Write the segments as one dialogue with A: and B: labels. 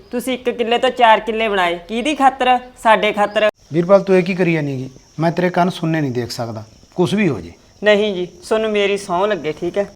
A: ਤੁਸੀਂ 1 ਕਿੱਲੇ ਤੋਂ 4 ਕਿੱਲੇ ਬਣਾਏ ਕਿਹਦੀ ਖਾਤਰ? ਸਾਡੇ ਖਾਤਰ।
B: ਵੀਰਪਾਲ ਤੂੰ ਇਹ ਕੀ ਕਰੀ ਜਾਨੀ ਗੀ? ਮੈਂ ਤੇਰੇ ਕੰਨ ਸੁਣਨੇ ਨਹੀਂ ਦੇਖ ਸਕਦਾ, ਕੁਝ ਵੀ ਹੋ ਜੇ।
A: ਨਹੀਂ ਜੀ, ਤੁਹਾਨੂੰ ਮੇਰੀ ਸਹੁੰ ਲੱਗੇ, ਠੀਕ ਹੈ।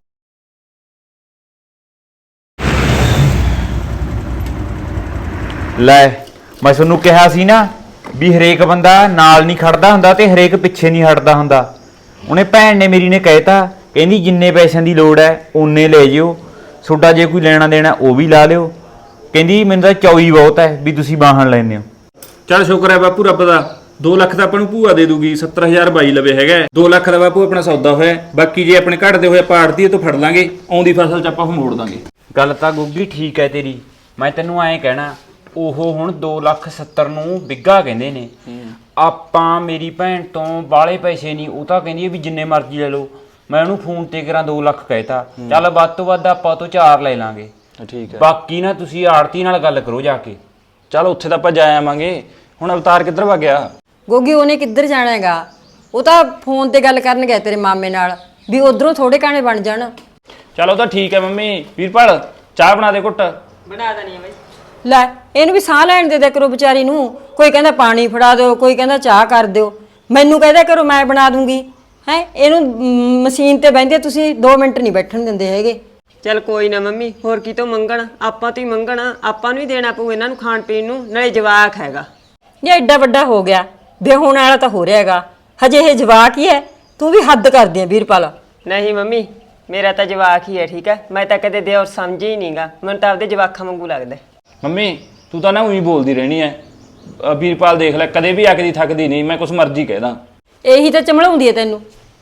C: ਲੈ ਮੈਂ ਤੁਹਾਨੂੰ ਕਿਹਾ ਸੀ ਨਾ ਵੀ ਹਰੇਕ ਬੰਦਾ ਨਾਲ ਨਹੀਂ ਖੜਦਾ ਹੁੰਦਾ ਤੇ ਹਰੇਕ ਪਿੱਛੇ ਨਹੀਂ ਹਟਦਾ ਹੁੰਦਾ। ਉਹਨੇ ਭੈਣ ਨੇ ਮੇਰੀ ਨੇ ਕਹਿਤਾ, ਕਹਿੰਦੀ ਜਿੰਨੇ ਪੈਸਿਆਂ ਦੀ ਲੋੜ ਹੈ ਓਨੇ ਲੈ ਜਿਓ, ਤੁਹਾਡਾ ਜੇ ਕੋਈ ਲੈਣਾ ਦੇਣਾ ਉਹ ਵੀ ਲਾ ਲਿਓ। ਕਹਿੰਦੀ ਮੈਨੂੰ ਤਾਂ ਚੌਈ ਬਹੁਤ ਹੈ ਵੀ ਤੁਸੀਂ ਵਾਹਣ ਲੈਂਦੇ ਹੋ।
D: ਚੱਲ ਸ਼ੁਕਰ ਹੈ ਬਾਪੂ ਰੱਬ ਦਾ, 2 ਲੱਖ ਤਾਂ ਆਪਾਂ ਨੂੰ ਭੂਆ ਦੇ ਦੂਗੀ, 70,000 ਬਾਈ ਲਵੇ ਹੈਗਾ। 2 ਲੱਖ ਦਾ ਬਾਪੂ ਆਪਣਾ ਸੌਦਾ ਹੋਇਆ, ਬਾਕੀ ਜੇ ਆਪਣੇ ਘਟਦੇ ਹੋਏ ਆਪਾਂ ਆੜਤੀਏ ਤੋਂ ਫੜ ਲਾਂਗੇ, ਆਉਂਦੀ ਫਸਲ 'ਚ ਆਪਾਂ ਉਹ ਮੋੜ ਦਾਂਗੇ।
C: ਗੱਲ ਤਾਂ ਗੁੱਗੀ ਠੀਕ ਹੈ ਤੇਰੀ, ਮੈਂ ਤੈਨੂੰ ਐਂ ਕਹਿਣਾ ਉਹ ਹੁਣ 2,70,000 ਨੂੰ ਬਿੱਗਾ ਕਹਿੰਦੇ ਨੇ। ਆਪਾਂ ਮੇਰੀ ਭੈਣ ਤੋਂ ਬਾਹਲੇ ਪੈਸੇ ਨਹੀਂ, ਉਹ ਤਾਂ ਕਹਿੰਦੀ ਵੀ ਜਿੰਨੇ ਮਰਜ਼ੀ ਲੈ ਲਓ। ਮੈਂ ਉਹਨੂੰ ਫੋਨ ਤੇ ਕਰਾਂ 2 ਲੱਖ ਕਹਿਤਾ, ਚੱਲ ਵੱਧ ਤੋਂ ਵੱਧ ਆਪਾਂ ਤੋਂ 4 ਲੈ ਲਾਂਗੇ।
D: ਠੀਕ ਹੈ,
C: ਬਾਕੀ ਨਾ ਤੁਸੀਂ ਆੜਤੀ ਨਾਲ ਗੱਲ ਕਰੋ ਜਾ ਕੇ।
D: ਚੱਲ ਉੱਥੇ ਤਾਂ ਆਪਾਂ ਜਾ ਆਵਾਂਗੇ। ਹੁਣ ਅਵਤਾਰ ਕਿੱਧਰ ਵਾ ਗਿਆ?
E: ਗੋਗੀ ਉਹਨੇ ਕਿੱਧਰ ਜਾਣਾ ਹੈਗਾ? ਉਹ ਤਾਂ ਫੋਨ ਤੇ ਗੱਲ ਕਰਨ ਗਿਆ ਤੇਰੇ ਮਾਮੇ ਨਾਲ ਵੀ ਉਧਰੋਂ ਥੋੜੇ ਕਾਣੇ ਬਣ ਜਾਣ।
D: ਚੱਲ ਉਹ ਤਾਂ ਠੀਕ ਹੈ ਮੰਮੀ। ਵੀਰਪਾਲ ਚਾਹ ਬਣਾ ਦੇ ਘੁੱਟ।
A: ਬਣਾ ਦੇਣੀ ਹੈ ਬਈ।
E: ਲੈ ਇਹਨੂੰ ਵੀ ਸਾਹ ਲੈਣ ਦੇ ਦਿਆ ਕਰੋ ਵਿਚਾਰੀ ਨੂੰ। ਕੋਈ ਕਹਿੰਦਾ ਪਾਣੀ ਫੜਾ ਦਿਓ, ਕੋਈ ਕਹਿੰਦਾ ਚਾਹ ਕਰ ਦਿਓ, ਮੈਨੂੰ ਕਹਿੰਦਾ ਕਰੋ ਮੈਂ ਬਣਾ ਦੂੰਗੀ। ਹੈ ਇਹਨੂੰ ਮਸ਼ੀਨ ਤੇ ਬਹਿੰਦੇ ਤੁਸੀਂ 2 ਮਿੰਟ ਨਹੀਂ ਬੈਠਣ ਦਿੰਦੇ ਹੈਗੇ।
A: ਚੱਲ ਕੋਈ ਨਾ ਮੰਮੀ, ਹੋਰ ਕੀ ਤੋਂ ਮੰਗਣ? ਆਪਾਂ ਤੋਂ ਹੀ ਮੰਗਣ, ਆਪਾਂ ਨੂੰ ਹੀ ਦੇਣਾ ਪਊ ਇਹਨਾਂ ਨੂੰ ਖਾਣ ਪੀਣ ਨੂੰ, ਨਾਲੇ ਜਵਾਕ ਹੈਗਾ।
E: ਇਹ ਐਡਾ ਵੱਡਾ ਹੋ ਗਿਆ, ਵਿਆਹੁਣ ਵਾਲਾ ਤਾਂ ਹੋ ਰਿਹਾ ਹੈਗਾ, ਹਜੇ ਇਹ ਜਵਾਕ ਹੀ ਹੈ। ਤੂੰ ਵੀ ਹੱਦ ਕਰਦੀ ਆ ਵੀਰਪਾਲ।
A: ਨਹੀਂ ਮੰਮੀ, ਮੇਰਾ ਤਾਂ ਜਵਾਕ ਹੀ ਹੈ, ਠੀਕ ਹੈ। ਮੈਂ ਤਾਂ ਕਦੇ ਦਿਓਰ ਸਮਝੇ ਹੀ ਨਹੀਂਗਾ, ਮੈਨੂੰ ਤਾਂ ਆਪਦੇ ਜਵਾਕਾਂ ਵਾਂਗੂ ਲੱਗਦਾ।
D: ਮੰਮੀ ਤੂੰ ਤਾਂ ਨਾ ਉਹੀ ਬੋਲਦੀ ਰਹਿਣੀ ਐ। ਵੀਰਪਾਲ ਦੇਖ ਲੈ, ਕਦੇ ਵੀ ਅੱਕਦੀ ਥੱਕਦੀ ਨਹੀਂ, ਮੈਂ ਕੁਛ ਮਰਜ਼ੀ ਕਹਿਦਾ।
E: ਇਹੀ ਤਾਂ ਚਮਲਾਉਂਦੀ ਹੈ ਤੈਨੂੰ।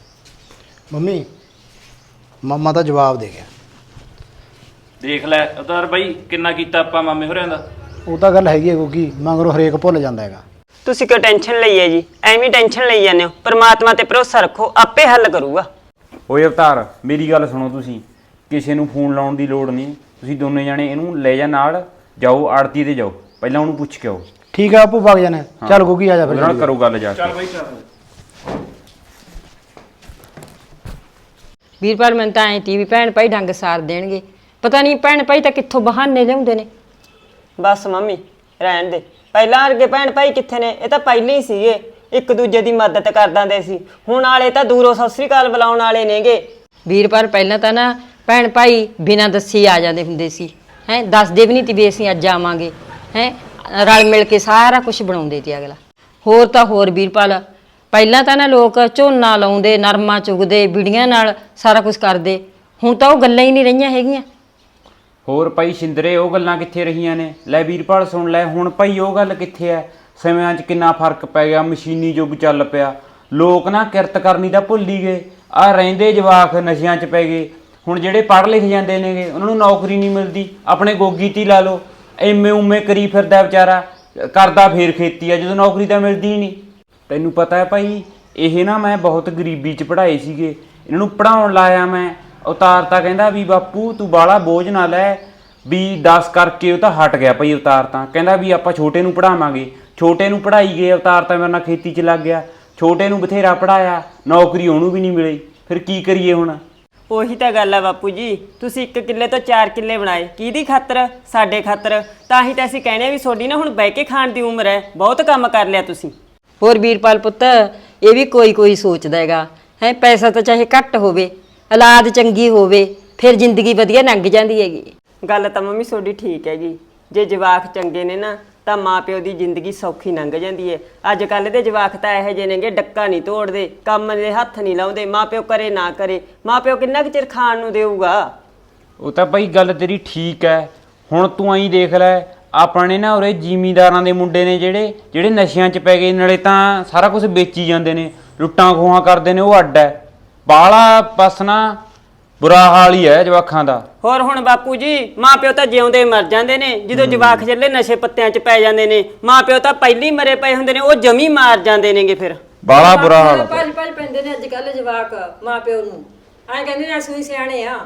B: ਮੰਮੀ ਮਾਮਾ ਤਾਂ ਜਵਾਬ ਦੇ ਗਿਆ।
D: ਦੇਖ ਲੈ ਅਵਤਾਰ ਬਾਈ, ਕਿੰਨਾ ਕੀਤਾ ਆਪਾਂ ਮਾਮੇ ਹੋਰਿਆਂ ਦਾ।
B: ਉਹ ਤਾਂ ਗੱਲ ਹੈਗੀ ਹੈ ਕਿਉਂਕਿ ਮਗਰੋਂ ਹਰੇਕ ਭੁੱਲ ਜਾਂਦਾ ਹੈਗਾ।
A: ਤੁਸੀਂ ਕਿਉਂ ਟੈਨਸ਼ਨ ਲਈ ਹੈ ਜੀ? ਐਵੇਂ ਟੈਨਸ਼ਨ ਲਈ ਜਾਂਦੇ ਹੋ। ਪਰਮਾਤਮਾ ਤੇ ਭਰੋਸਾ ਰੱਖੋ, ਆਪੇ ਹੱਲ ਕਰੂਗਾ।
C: ਓਏ ਅਵਤਾਰ ਮੇਰੀ ਗੱਲ ਸੁਣੋ, ਤੁਸੀਂ ਕਿਸੇ ਨੂੰ ਫੋਨ ਲਾਉਣ ਦੀ ਲੋੜ ਨਹੀਂ। ਤੁਸੀਂ ਦੋਨੇ ਜਾਣੇ ਇਹਨੂੰ ਲੈ ਜਾ ਨਾਲ, ਜਾਓ ਆੜਤੀ ਤੇ ਜਾਓ, ਪਹਿਲਾਂ ਉਹਨੂੰ ਪੁੱਛ ਕੇ ਆਓ।
B: ਠੀਕ ਆ ਆਪੂ ਵਗ ਜਾਣਾ। ਚੱਲ ਗੋਗੀ ਆ ਜਾ ਫਿਰ।
C: ਉਹਦੇ ਨਾਲ ਕਰੋ ਗੱਲ ਜਾ ਕੇ।
D: ਚੱਲ ਬਾਈ ਚੱਲ।
E: ਵੀਰਪਾਲ ਮੈਨੂੰ ਤਾਂ ਐਂ ਤੀ ਵੀ ਭੈਣ ਭਾਈ ਡੰਗ ਸਾਰ ਦੇਣਗੇ, ਪਤਾ ਨਹੀਂ ਭੈਣ ਭਾਈ ਤਾਂ ਕਿੱਥੋਂ ਬਹਾਨੇ ਲਿਆਉਂਦੇ ਨੇ।
A: ਬਸ ਮੰਮੀ ਰਹਿਣ ਦੇ, ਪਹਿਲਾਂ ਵਰਗੇ ਭੈਣ ਭਾਈ ਕਿੱਥੇ ਨੇ? ਇਹ ਤਾਂ ਪਹਿਲਾਂ ਹੀ ਸੀਗੇ, ਇੱਕ ਦੂਜੇ ਦੀ ਮਦਦ ਕਰ ਦਿੰਦੇ ਸੀ। ਹੁਣ ਵਾਲੇ ਤਾਂ ਦੂਰੋਂ ਸਤਿ ਸ੍ਰੀ ਅਕਾਲ ਬੁਲਾਉਣ ਵਾਲੇ ਨੇਗੇ।
E: ਵੀਰਪਾਲ ਪਹਿਲਾਂ ਤਾਂ ਨਾ ਭੈਣ ਭਾਈ ਬਿਨਾਂ ਦੱਸੇ ਆ ਜਾਂਦੇ ਹੁੰਦੇ ਸੀ। ਦੱਸਦੇ ਵੀ ਨਹੀਂ ਤੀ ਵੀ ਅਸੀਂ ਅੱਜ ਆਵਾਂਗੇ। ਰਲ ਮਿਲ ਕੇ ਸਾਰਾ ਕੁਝ ਬਣਾਉਂਦੇ ਤੀ ਅਗਲਾ। ਹੋਰ ਤਾਂ ਹੋਰ ਵੀਰਪਾਲ, ਪਹਿਲਾਂ ਤਾਂ ਨਾ ਲੋਕ ਝੋਨਾ ਲਾਉਂਦੇ, ਨਰਮਾ ਚੁਗਦੇ, ਬਿੜੀਆਂ ਨਾਲ ਸਾਰਾ ਕੁਝ ਕਰਦੇ। ਹੁਣ ਤਾਂ ਉਹ ਗੱਲਾਂ ਹੀ ਨਹੀਂ ਰਹੀਆਂ ਹੈਗੀਆਂ।
C: ਹੋਰ ਭਾਈ ਸ਼ਿੰਦਰੇ ਉਹ ਗੱਲਾਂ ਕਿੱਥੇ ਰਹੀਆਂ ਨੇ? ਲੈ ਵੀਰਪਾਲ ਸੁਣ ਲੈ, ਹੁਣ ਭਾਈ ਉਹ ਗੱਲ ਕਿੱਥੇ ਐ? ਸਮਿਆਂ 'ਚ ਕਿੰਨਾ ਫਰਕ ਪੈ ਗਿਆ, ਮਸ਼ੀਨੀ ਯੁੱਗ ਚੱਲ ਪਿਆ। ਲੋਕ ਨਾ ਕਿਰਤ ਕਰਨੀ ਤਾਂ ਭੁੱਲ ਹੀ ਗਏ। ਆਹ ਰਹਿੰਦੇ ਜਵਾਕ ਨਸ਼ਿਆਂ 'ਚ ਪੈ ਗਏ। ਹੁਣ ਜਿਹੜੇ ਪੜ੍ਹ ਲਿਖ ਜਾਂਦੇ ਨੇਗੇ ਉਹਨਾਂ ਨੂੰ ਨੌਕਰੀ ਨਹੀਂ ਮਿਲਦੀ। ਆਪਣੇ ਗੋਗੀ ਤੀ ਲਾ ਲਓ, ਐਵੇਂ ਉਵੇਂ ਕਰੀ ਫਿਰਦਾ ਵਿਚਾਰਾ, ਕਰਦਾ ਫੇਰ ਖੇਤੀ ਆ, ਜਦੋਂ ਨੌਕਰੀ ਤਾਂ ਮਿਲਦੀ ਹੀ ਨਹੀਂ। ਤੈਨੂੰ ਪਤਾ ਹੈ ਭਾਈ, ਇਹ ਨਾ ਮੈਂ ਬਹੁਤ ਗਰੀਬੀ 'ਚ ਪੜ੍ਹਾਏ ਸੀਗੇ, ਇਹਨਾਂ ਨੂੰ ਪੜ੍ਹਾਉਣ ਲਾਇਆ ਮੈਂ। ਅਵਤਾਰ ਤਾਂ ਕਹਿੰਦਾ ਵੀ ਬਾਪੂ ਤੂੰ ਬਾਹਲਾ ਬੋਝ ਨਾ ਲੈ, ਵੀ 10 ਕਰਕੇ ਉਹ ਤਾਂ ਹਟ ਗਿਆ ਭਾਈ। ਅਵਤਾਰ ਤਾਂ ਕਹਿੰਦਾ ਵੀ ਆਪਾਂ ਛੋਟੇ ਨੂੰ ਪੜ੍ਹਾਵਾਂਗੇ। ਛੋਟੇ ਨੂੰ ਪੜ੍ਹਾਈ ਗਏ, ਅਵਤਾਰ ਤਾਂ ਮੇਰੇ ਨਾਲ ਖੇਤੀ 'ਚ ਲੱਗ ਗਿਆ। ਛੋਟੇ ਨੂੰ ਬਥੇਰਾ ਪੜ੍ਹਾਇਆ, ਨੌਕਰੀ ਉਹਨੂੰ ਵੀ ਨਹੀਂ ਮਿਲੀ। ਫਿਰ ਕੀ ਕਰੀਏ ਹੁਣ?
A: ਉਹੀ ਤਾਂ ਗੱਲ ਆ ਬਾਪੂ ਜੀ, ਤੁਸੀਂ 1 ਕਿੱਲੇ ਤੋਂ 4 ਕਿੱਲੇ ਬਣਾਏ ਕਿਹਦੀ ਖਾਤਰ? ਸਾਡੇ ਖਾਤਰ। ਤਾਂ ਹੀ ਤਾਂ ਅਸੀਂ ਕਹਿੰਦੇ ਆ ਵੀ ਤੁਹਾਡੀ ਨਾ ਹੁਣ ਬਹਿ ਕੇ ਖਾਣ ਦੀ ਉਮਰ ਹੈ, ਬਹੁਤ ਕੰਮ ਕਰ ਲਿਆ ਤੁਸੀਂ।
E: ਹੋਰ ਵੀਰਪਾਲ ਪੁੱਤ, ਇਹ ਵੀ ਕੋਈ ਸੋਚਦਾ ਹੈਗਾ। ਪੈਸਾ ਤਾਂ ਚਾਹੇ ਘੱਟ ਹੋਵੇ, ਔਲਾਦ ਚੰਗੀ ਹੋਵੇ, ਫਿਰ ਜ਼ਿੰਦਗੀ ਵਧੀਆ ਲੰਘ ਜਾਂਦੀ ਹੈਗੀ।
A: ਗੱਲ ਤਾਂ ਮੰਮੀ ਤੁਹਾਡੀ ਠੀਕ ਹੈਗੀ। ਜੇ ਜਵਾਕ ਚੰਗੇ ਨੇ ਨਾ ਤਾਂ ਮਾਂ ਪਿਓ ਦੀ ਜ਼ਿੰਦਗੀ ਸੌਖੀ ਲੰਘ ਜਾਂਦੀ ਹੈ। ਅੱਜ ਕੱਲ੍ਹ ਦੇ ਜਵਾਕ ਤਾਂ ਇਹੋ ਜਿਹੇ ਨੇਗੇ, ਡੱਕਾ ਨਹੀਂ ਤੋੜਦੇ, ਕੰਮ ਦੇ ਹੱਥ ਨਹੀਂ ਲਾਉਂਦੇ। ਮਾਂ ਪਿਓ ਕਰੇ ਨਾ ਕਰੇ, ਮਾਂ ਪਿਓ ਕਿੰਨਾ ਕੁ ਚਿਰ ਖਾਣ ਨੂੰ ਦੇਊਗਾ?
C: ਉਹ ਤਾਂ ਭਾਈ ਗੱਲ ਤੇਰੀ ਠੀਕ ਹੈ। ਹੁਣ ਤੂੰ ਐਂ ਦੇਖ ਲੈ, ਆਪਣੇ ਨਾ ਉਰੇ ਜ਼ਿਮੀਂਦਾਰਾਂ ਦੇ ਮੁੰਡੇ ਨੇ ਜਿਹੜੇ ਨਸ਼ਿਆਂ 'ਚ ਪੈ ਗਏ, ਨਾਲੇ ਤਾਂ ਸਾਰਾ ਕੁਝ ਵੇਚੀ ਜਾਂਦੇ ਨੇ, ਲੁੱਟਾਂ ਖੋਹਾਂ ਕਰਦੇ ਨੇ, ਉਹ ਅੱਡ ਹੈ। ਬਾਹਲਾ ਬਸ ਨਾ ਬੁਰਾ ਹਾਲ ਹੀ ਹੈ ਜਵਾਕਾਂ ਦਾ।
A: ਹੋਰ ਹੁਣ ਬਾਪੂ ਜੀ, ਮਾਂ ਪਿਓ ਤਾਂ ਜਿਉਂਦੇ ਮਰ ਜਾਂਦੇ ਨੇ, ਜਦੋਂ ਜਵਾਕ ਚੱਲੇ ਨਸ਼ੇ ਪੱਤਿਆਂ 'ਚ ਪੈ ਜਾਂਦੇ ਨੇ। ਮਾਂ ਪਿਓ ਤਾਂ ਪਹਿਲੀ ਮਰੇ ਪਏ ਹੁੰਦੇ ਨੇ, ਉਹ ਜਮੀ ਮਾਰ ਜਾਂਦੇ ਨੇਗੇ। ਫਿਰ
C: ਬਾਹਲਾ ਬੁਰਾ ਹਾਲ।
E: ਭੱਜ ਪੈਂਦੇ ਨੇ ਅੱਜ ਕੱਲ੍ਹ ਜਵਾਕ ਮਾਂ ਪਿਓ ਨੂੰ, ਐਂ ਕਹਿੰਦੇ ਨੇ ਅਸੀਂ ਸਿਆਣੇ ਆ।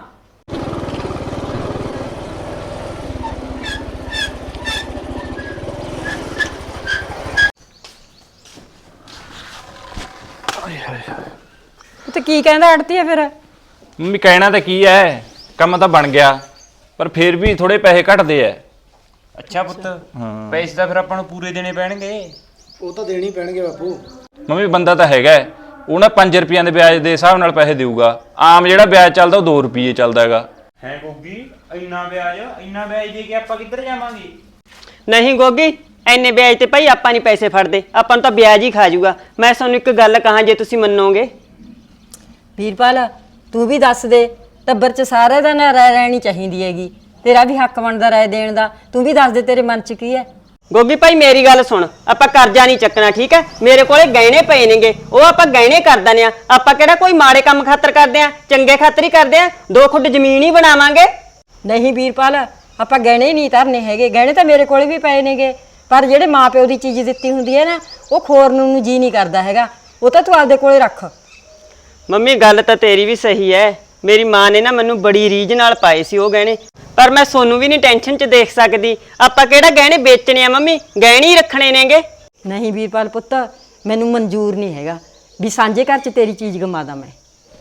E: ਤੇ ਕੀ ਕਹਿੰਦਾ ਅੜਤੀ ਆ ਫਿਰ?
D: ਮੰਮੀ ਕਹਿਣਾ ਤਾਂ ਕੀ ਐ, ਕੰਮ ਤਾਂ ਬਣ ਗਿਆ, ਪਰ ਫੇਰ ਵੀ ਥੋੜੇ ਪੈਸੇ ਘਟਦੇ ਐ।
C: ਅੱਛਾ ਪੁੱਤ ਪੈਸੇ ਤਾਂ ਫਿਰ ਆਪਾਂ ਨੂੰ ਪੂਰੇ ਦੇਣੇ ਪੈਣਗੇ।
B: ਉਹ ਤਾਂ ਦੇਣੀ ਪੈਣਗੇ ਬਾਪੂ।
D: ਮੰਮੀ ਬੰਦਾ ਤਾਂ ਹੈਗਾ ਹੈ, ਉਹ ਨਾ 5 ਰੁਪਈਆਂ ਦੇ ਵਿਆਜ ਦੇ ਹਿਸਾਬ ਨਾਲ ਪੈਸੇ ਦੇਊਗਾ। ਆਮ ਜਿਹੜਾ ਵਿਆਜ ਚੱਲਦਾ ਉਹ 2 ਰੁਪਏ ਚੱਲਦਾ ਹੈਗਾ।
C: ਹੈ ਗੋਗੀ, ਇੰਨਾ ਵਿਆਜ ਦੇ ਕੇ ਆਪਾਂ ਕਿੱਧਰ ਜਾਵਾਂਗੇ?
A: ਨਹੀਂ ਗੋਗੀ, ਐਨੇ ਵਿਆਜ ਤੇ ਭਾਈ ਆਪਾਂ ਨਹੀਂ ਪੈਸੇ ਫੜਦੇ, ਆਪਾਂ ਨੂੰ ਤਾਂ ਵਿਆਜ ਹੀ ਖਾ ਜਾਊਗਾ। ਮੈਂ ਤੁਹਾਨੂੰ ਇੱਕ ਗੱਲ ਕਹਾਂ, ਜੇ ਤੁਸੀਂ ਮੰਨੋਗੇ।
E: ਵੀਰਪਾਲ ਤੂੰ ਵੀ ਦੱਸ ਦੇ, ਟੱਬਰ 'ਚ ਸਾਰੇ ਦਾ ਨਾ ਰਾਏ ਰਹਿਣੀ ਚਾਹੀਦੀ ਹੈਗੀ, ਤੇਰਾ ਵੀ ਹੱਕ ਬਣਦਾ ਰਾਏ ਦੇਣ ਦਾ। ਤੂੰ ਵੀ ਦੱਸ ਦੇ ਤੇਰੇ ਮਨ 'ਚ ਕੀ ਹੈ।
A: ਗੋਗੀ ਭਾਈ ਮੇਰੀ ਗੱਲ ਸੁਣ, ਆਪਾਂ ਕਰਜ਼ਾ ਨਹੀਂ ਚੱਕਣਾ, ਠੀਕ ਹੈ? ਮੇਰੇ ਕੋਲੇ ਗਹਿਣੇ ਪਏ ਨੇਗੇ, ਉਹ ਆਪਾਂ ਗਹਿਣੇ ਕਰ ਦਿੰਦੇ ਆ। ਆਪਾਂ ਕਿਹੜਾ ਕੋਈ ਮਾੜੇ ਕੰਮ ਖਾਤਰ ਕਰਦੇ ਆ, ਚੰਗੇ ਖਾਤਰ ਹੀ ਕਰਦੇ ਆ। 2 ਖੁੱਡ ਜ਼ਮੀਨ ਹੀ ਬਣਾਵਾਂਗੇ।
E: ਨਹੀਂ ਵੀਰਪਾਲ, ਆਪਾਂ ਗਹਿਣੇ ਨਹੀਂ ਧਰਨੇ ਹੈਗੇ, ਗਹਿਣੇ ਤਾਂ ਮੇਰੇ ਕੋਲੇ ਵੀ ਪਏ ਨੇਗੇ, ਪਰ ਜਿਹੜੇ ਮਾਪਿਓ ਦੀ ਚੀਜ਼ ਦਿੱਤੀ ਹੁੰਦੀ ਹੈ ਨਾ, ਉਹ ਖੋਰਨ ਨੂੰ ਜੀ ਨਹੀਂ ਕਰਦਾ ਹੈਗਾ, ਉਹ ਤਾਂ ਤੂੰ ਆਪਦੇ ਕੋਲੇ ਰੱਖ।
A: ਮੰਮੀ ਗੱਲ ਤਾਂ ਤੇਰੀ ਵੀ ਸਹੀ ਹੈ, ਮੇਰੀ ਮਾਂ ਨੇ ਨਾ ਮੈਨੂੰ ਬੜੀ ਰੀਝ ਨਾਲ ਪਾਏ ਸੀ ਉਹ ਗਹਿਣੇ, ਪਰ ਮੈਂ ਸੋਨੂੰ ਵੀ ਨਹੀਂ ਟੈਨਸ਼ਨ 'ਚ ਦੇਖ ਸਕਦੀ। ਆਪਾਂ ਕਿਹੜਾ ਗਹਿਣੇ ਵੇਚਣੇ ਆ ਮੰਮੀ, ਗਹਿਣੇ ਹੀ ਰੱਖਣੇ ਨੇਗੇ।
E: ਨਹੀਂ ਵੀਰਪਾਲ ਪੁੱਤ, ਮੈਨੂੰ ਮਨਜ਼ੂਰ ਨਹੀਂ ਹੈਗਾ ਵੀ ਸਾਂਝੇ ਘਰ 'ਚ ਤੇਰੀ ਚੀਜ਼ ਗਮਾਦਾ ਮੈਂ।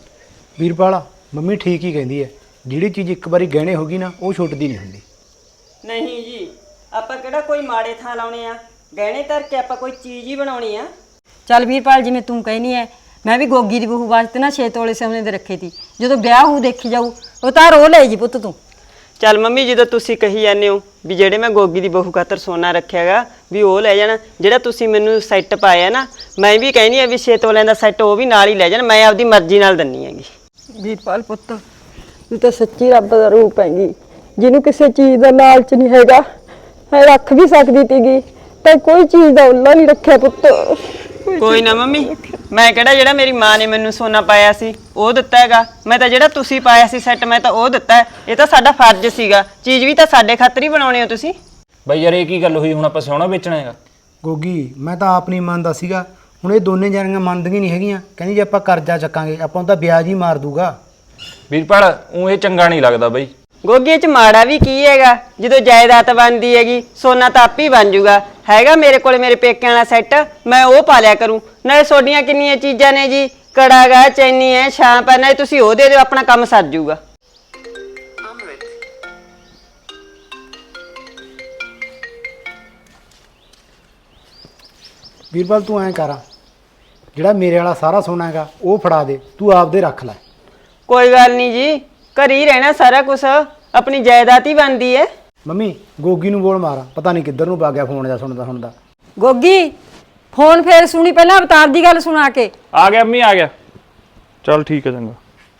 B: ਵੀਰਪਾਲ ਮੰਮੀ ਠੀਕ ਹੀ ਕਹਿੰਦੀ ਹੈ, ਜਿਹੜੀ ਚੀਜ਼ ਇੱਕ ਵਾਰੀ ਗਹਿਣੇ ਹੋ ਗਈ ਨਾ, ਉਹ ਛੁੱਟਦੀ ਨਹੀਂ ਹੁੰਦੀ।
A: ਨਹੀਂ ਜੀ, ਆਪਾਂ ਕਿਹੜਾ ਕੋਈ ਮਾੜੇ ਥਾਂ ਲਾਉਣੇ ਆ, ਗਹਿਣੇ ਧਰ ਕੇ ਆਪਾਂ ਕੋਈ ਚੀਜ਼ ਹੀ ਬਣਾਉਣੀ ਆ।
E: ਚੱਲ ਵੀਰਪਾਲ ਜਿਵੇਂ ਤੂੰ ਕਹਿਨੀ ਹੈ, ਮੈਂ ਵੀ ਗੋਗੀ ਦੀ ਬਹੂ ਵਾਸਤੇ ਨਾ 6 ਤੋਲੇ ਸੋਨੇ ਦੇ ਰੱਖੇ ਤੀ, ਜਦੋਂ ਵਿਆਹ ਹੋਊ ਦੇਖੀ ਜਾਊ, ਉਹ ਤਾਂ ਰੋ ਲੈ ਜੀ ਪੁੱਤ ਤੂੰ।
A: ਚੱਲ ਮੰਮੀ, ਜਦੋਂ ਤੁਸੀਂ ਕਹੀ ਜਾਂਦੇ ਹੋ ਵੀ ਜਿਹੜੇ ਮੈਂ ਗੋਗੀ ਦੀ ਬਹੂ ਖਾਤਰ ਸੋਨਾ ਰੱਖਿਆਗਾ ਵੀ ਉਹ ਲੈ ਜਾਣਾ, ਜਿਹੜਾ ਤੁਸੀਂ ਮੈਨੂੰ ਸੈੱਟ ਪਾਇਆ ਨਾ, ਮੈਂ ਵੀ ਕਹਿੰਦੀ ਆ ਵੀ 6 ਤੋਲਿਆਂ ਦਾ ਸੈੱਟ ਉਹ ਵੀ ਨਾਲ ਹੀ ਲੈ ਜਾਣ, ਮੈਂ ਆਪਦੀ ਮਰਜ਼ੀ ਨਾਲ ਦਿੰਨੀ ਹੈਗੀ।
E: ਵੀਰਪਾਲ ਪੁੱਤ, ਤੂੰ ਤਾਂ ਸੱਚੀ ਰੱਬ ਦਾ ਰੂਪ ਹੈਗੀ, ਜਿਹਨੂੰ ਕਿਸੇ ਚੀਜ਼ ਦਾ ਲਾਲਚ ਨਹੀਂ ਹੈਗਾ, ਹੈ ਰੱਖ ਵੀ ਸਕਦੀ ਤੀਗੀ, ਤਾਂ ਕੋਈ ਚੀਜ਼ ਦਾ ਉੱਲਾ ਨਹੀਂ ਰੱਖਿਆ ਪੁੱਤ।
A: ਕੋਈ ਨਾ ਮੰਮੀ, ਮੈਂ ਕਿਹੜਾ ਜਿਹੜਾ ਮੇਰੀ ਮਾਂ ਨੇ ਮੈਨੂੰ ਸੋਨਾ ਪਾਇਆ ਸੀ ਉਹ ਦਿੱਤਾ ਹੈਗਾ, ਮੈਂ ਤਾਂ ਜਿਹੜਾ ਤੁਸੀਂ ਪਾਇਆ ਸੀ ਸੈੱਟ ਮੈਂ ਤਾਂ ਉਹ ਦਿੱਤਾ। ਇਹ ਤਾਂ ਸਾਡਾ ਫਰਜ਼ ਸੀਗਾ, ਚੀਜ਼ ਵੀ ਤਾਂ ਸਾਡੇ ਖਾਤਰ ਹੀ ਬਣਾਉਣੀ ਹੋ ਤੁਸੀਂ।
D: ਬਾਈ ਯਾਰ ਇਹ ਕੀ ਗੱਲ ਹੋਈ, ਹੁਣ ਆਪਾਂ ਸੋਨਾ ਵੇਚਣਾ ਹੈਗਾ?
B: ਗੋਗੀ ਮੈਂ ਤਾਂ ਆਪ ਨਹੀਂ ਮੰਨਦਾ ਸੀਗਾ, ਹੁਣ ਇਹ ਦੋਨੇ ਜਾਣੀਆਂ ਮੰਨਦੀਆਂ ਨਹੀਂ ਹੈਗੀਆਂ, ਕਹਿੰਦੀ ਜੇ ਆਪਾਂ ਕਰਜ਼ਾ ਚੱਕਾਂਗੇ ਆਪਾਂ ਨੂੰ ਤਾਂ ਵਿਆਜ ਹੀ ਮਾਰ ਦੂਗਾ।
D: ਵੀਰਪਾਲ ਉਹ ਇਹ ਚੰਗਾ ਨਹੀਂ ਲੱਗਦਾ ਬਾਈ।
A: ਗੋਗੀ 'ਚ ਮਾੜਾ ਵੀ ਕੀ ਹੈਗਾ, ਜਦੋਂ ਜਾਇਦਾਦ ਬਣਦੀ ਹੈਗੀ ਸੋਨਾ ਤਾਂ ਆਪ ਹੀ ਬਣ ਜੂਗਾ। ਹੈਗਾ ਮੇਰੇ ਕੋਲੇ ਮੇਰੇ ਪੇਕਿਆਂ ਵਾਲਾ ਸੈੱਟ, ਮੈਂ ਉਹ ਪਾ ਲਿਆ ਕਰੂੰ। ਨਾਲੇ ਤੁਹਾਡੀਆਂ ਕਿੰਨੀਆਂ ਚੀਜ਼ਾਂ ਨੇ ਜੀ, ਕੜਾ ਗਾ, ਚੈਨੀ ਹੈ, ਛਾਂਪ ਹੈ, ਨਾਲੇ ਤੁਸੀਂ ਉਹ ਦੇ ਦਿਓ, ਆਪਣਾ ਕੰਮ ਸਰ ਜੂਗਾ।
B: ਵੀਰਪਾਲ ਤੂੰ ਐਂ ਕਰ, ਜਿਹੜਾ ਮੇਰੇ ਵਾਲਾ ਸਾਰਾ ਸੋਨਾ ਹੈਗਾ ਉਹ ਫੜਾ ਦੇ, ਤੂੰ ਆਪਦੇ ਰੱਖ ਲੈ।
A: ਕੋਈ ਗੱਲ ਨਹੀਂ ਜੀ, ਘਰ ਹੀ ਰਹਿਣਾ ਸਾਰਾ ਕੁਝ, ਆਪਣੀ ਜਾਇਦਾਦ ਹੀ ਬਣਦੀ ਹੈ।
B: ਮੰਮੀ ਗੋਗੀ ਨੂੰ ਬੋਲ ਮਾਰਾ, ਪਤਾ ਨਹੀਂ ਕਿੱਧਰ ਨੂੰ ਵਗ ਗਿਆ ਫੋਨ ਜਾਂ ਸੁਣਦਾ।
E: ਗੋਗੀ ਫੋਨ ਫੇਰ ਸੁਣੀ, ਪਹਿਲਾਂ ਅਵਤਾਰ ਦੀ ਗੱਲ ਸੁਣਾ ਕੇ।
D: ਆ ਗਿਆ ਅੰਮੀ, ਆ ਗਿਆ। ਚੱਲ ਠੀਕ ਹੈ, ਚੰਗਾ।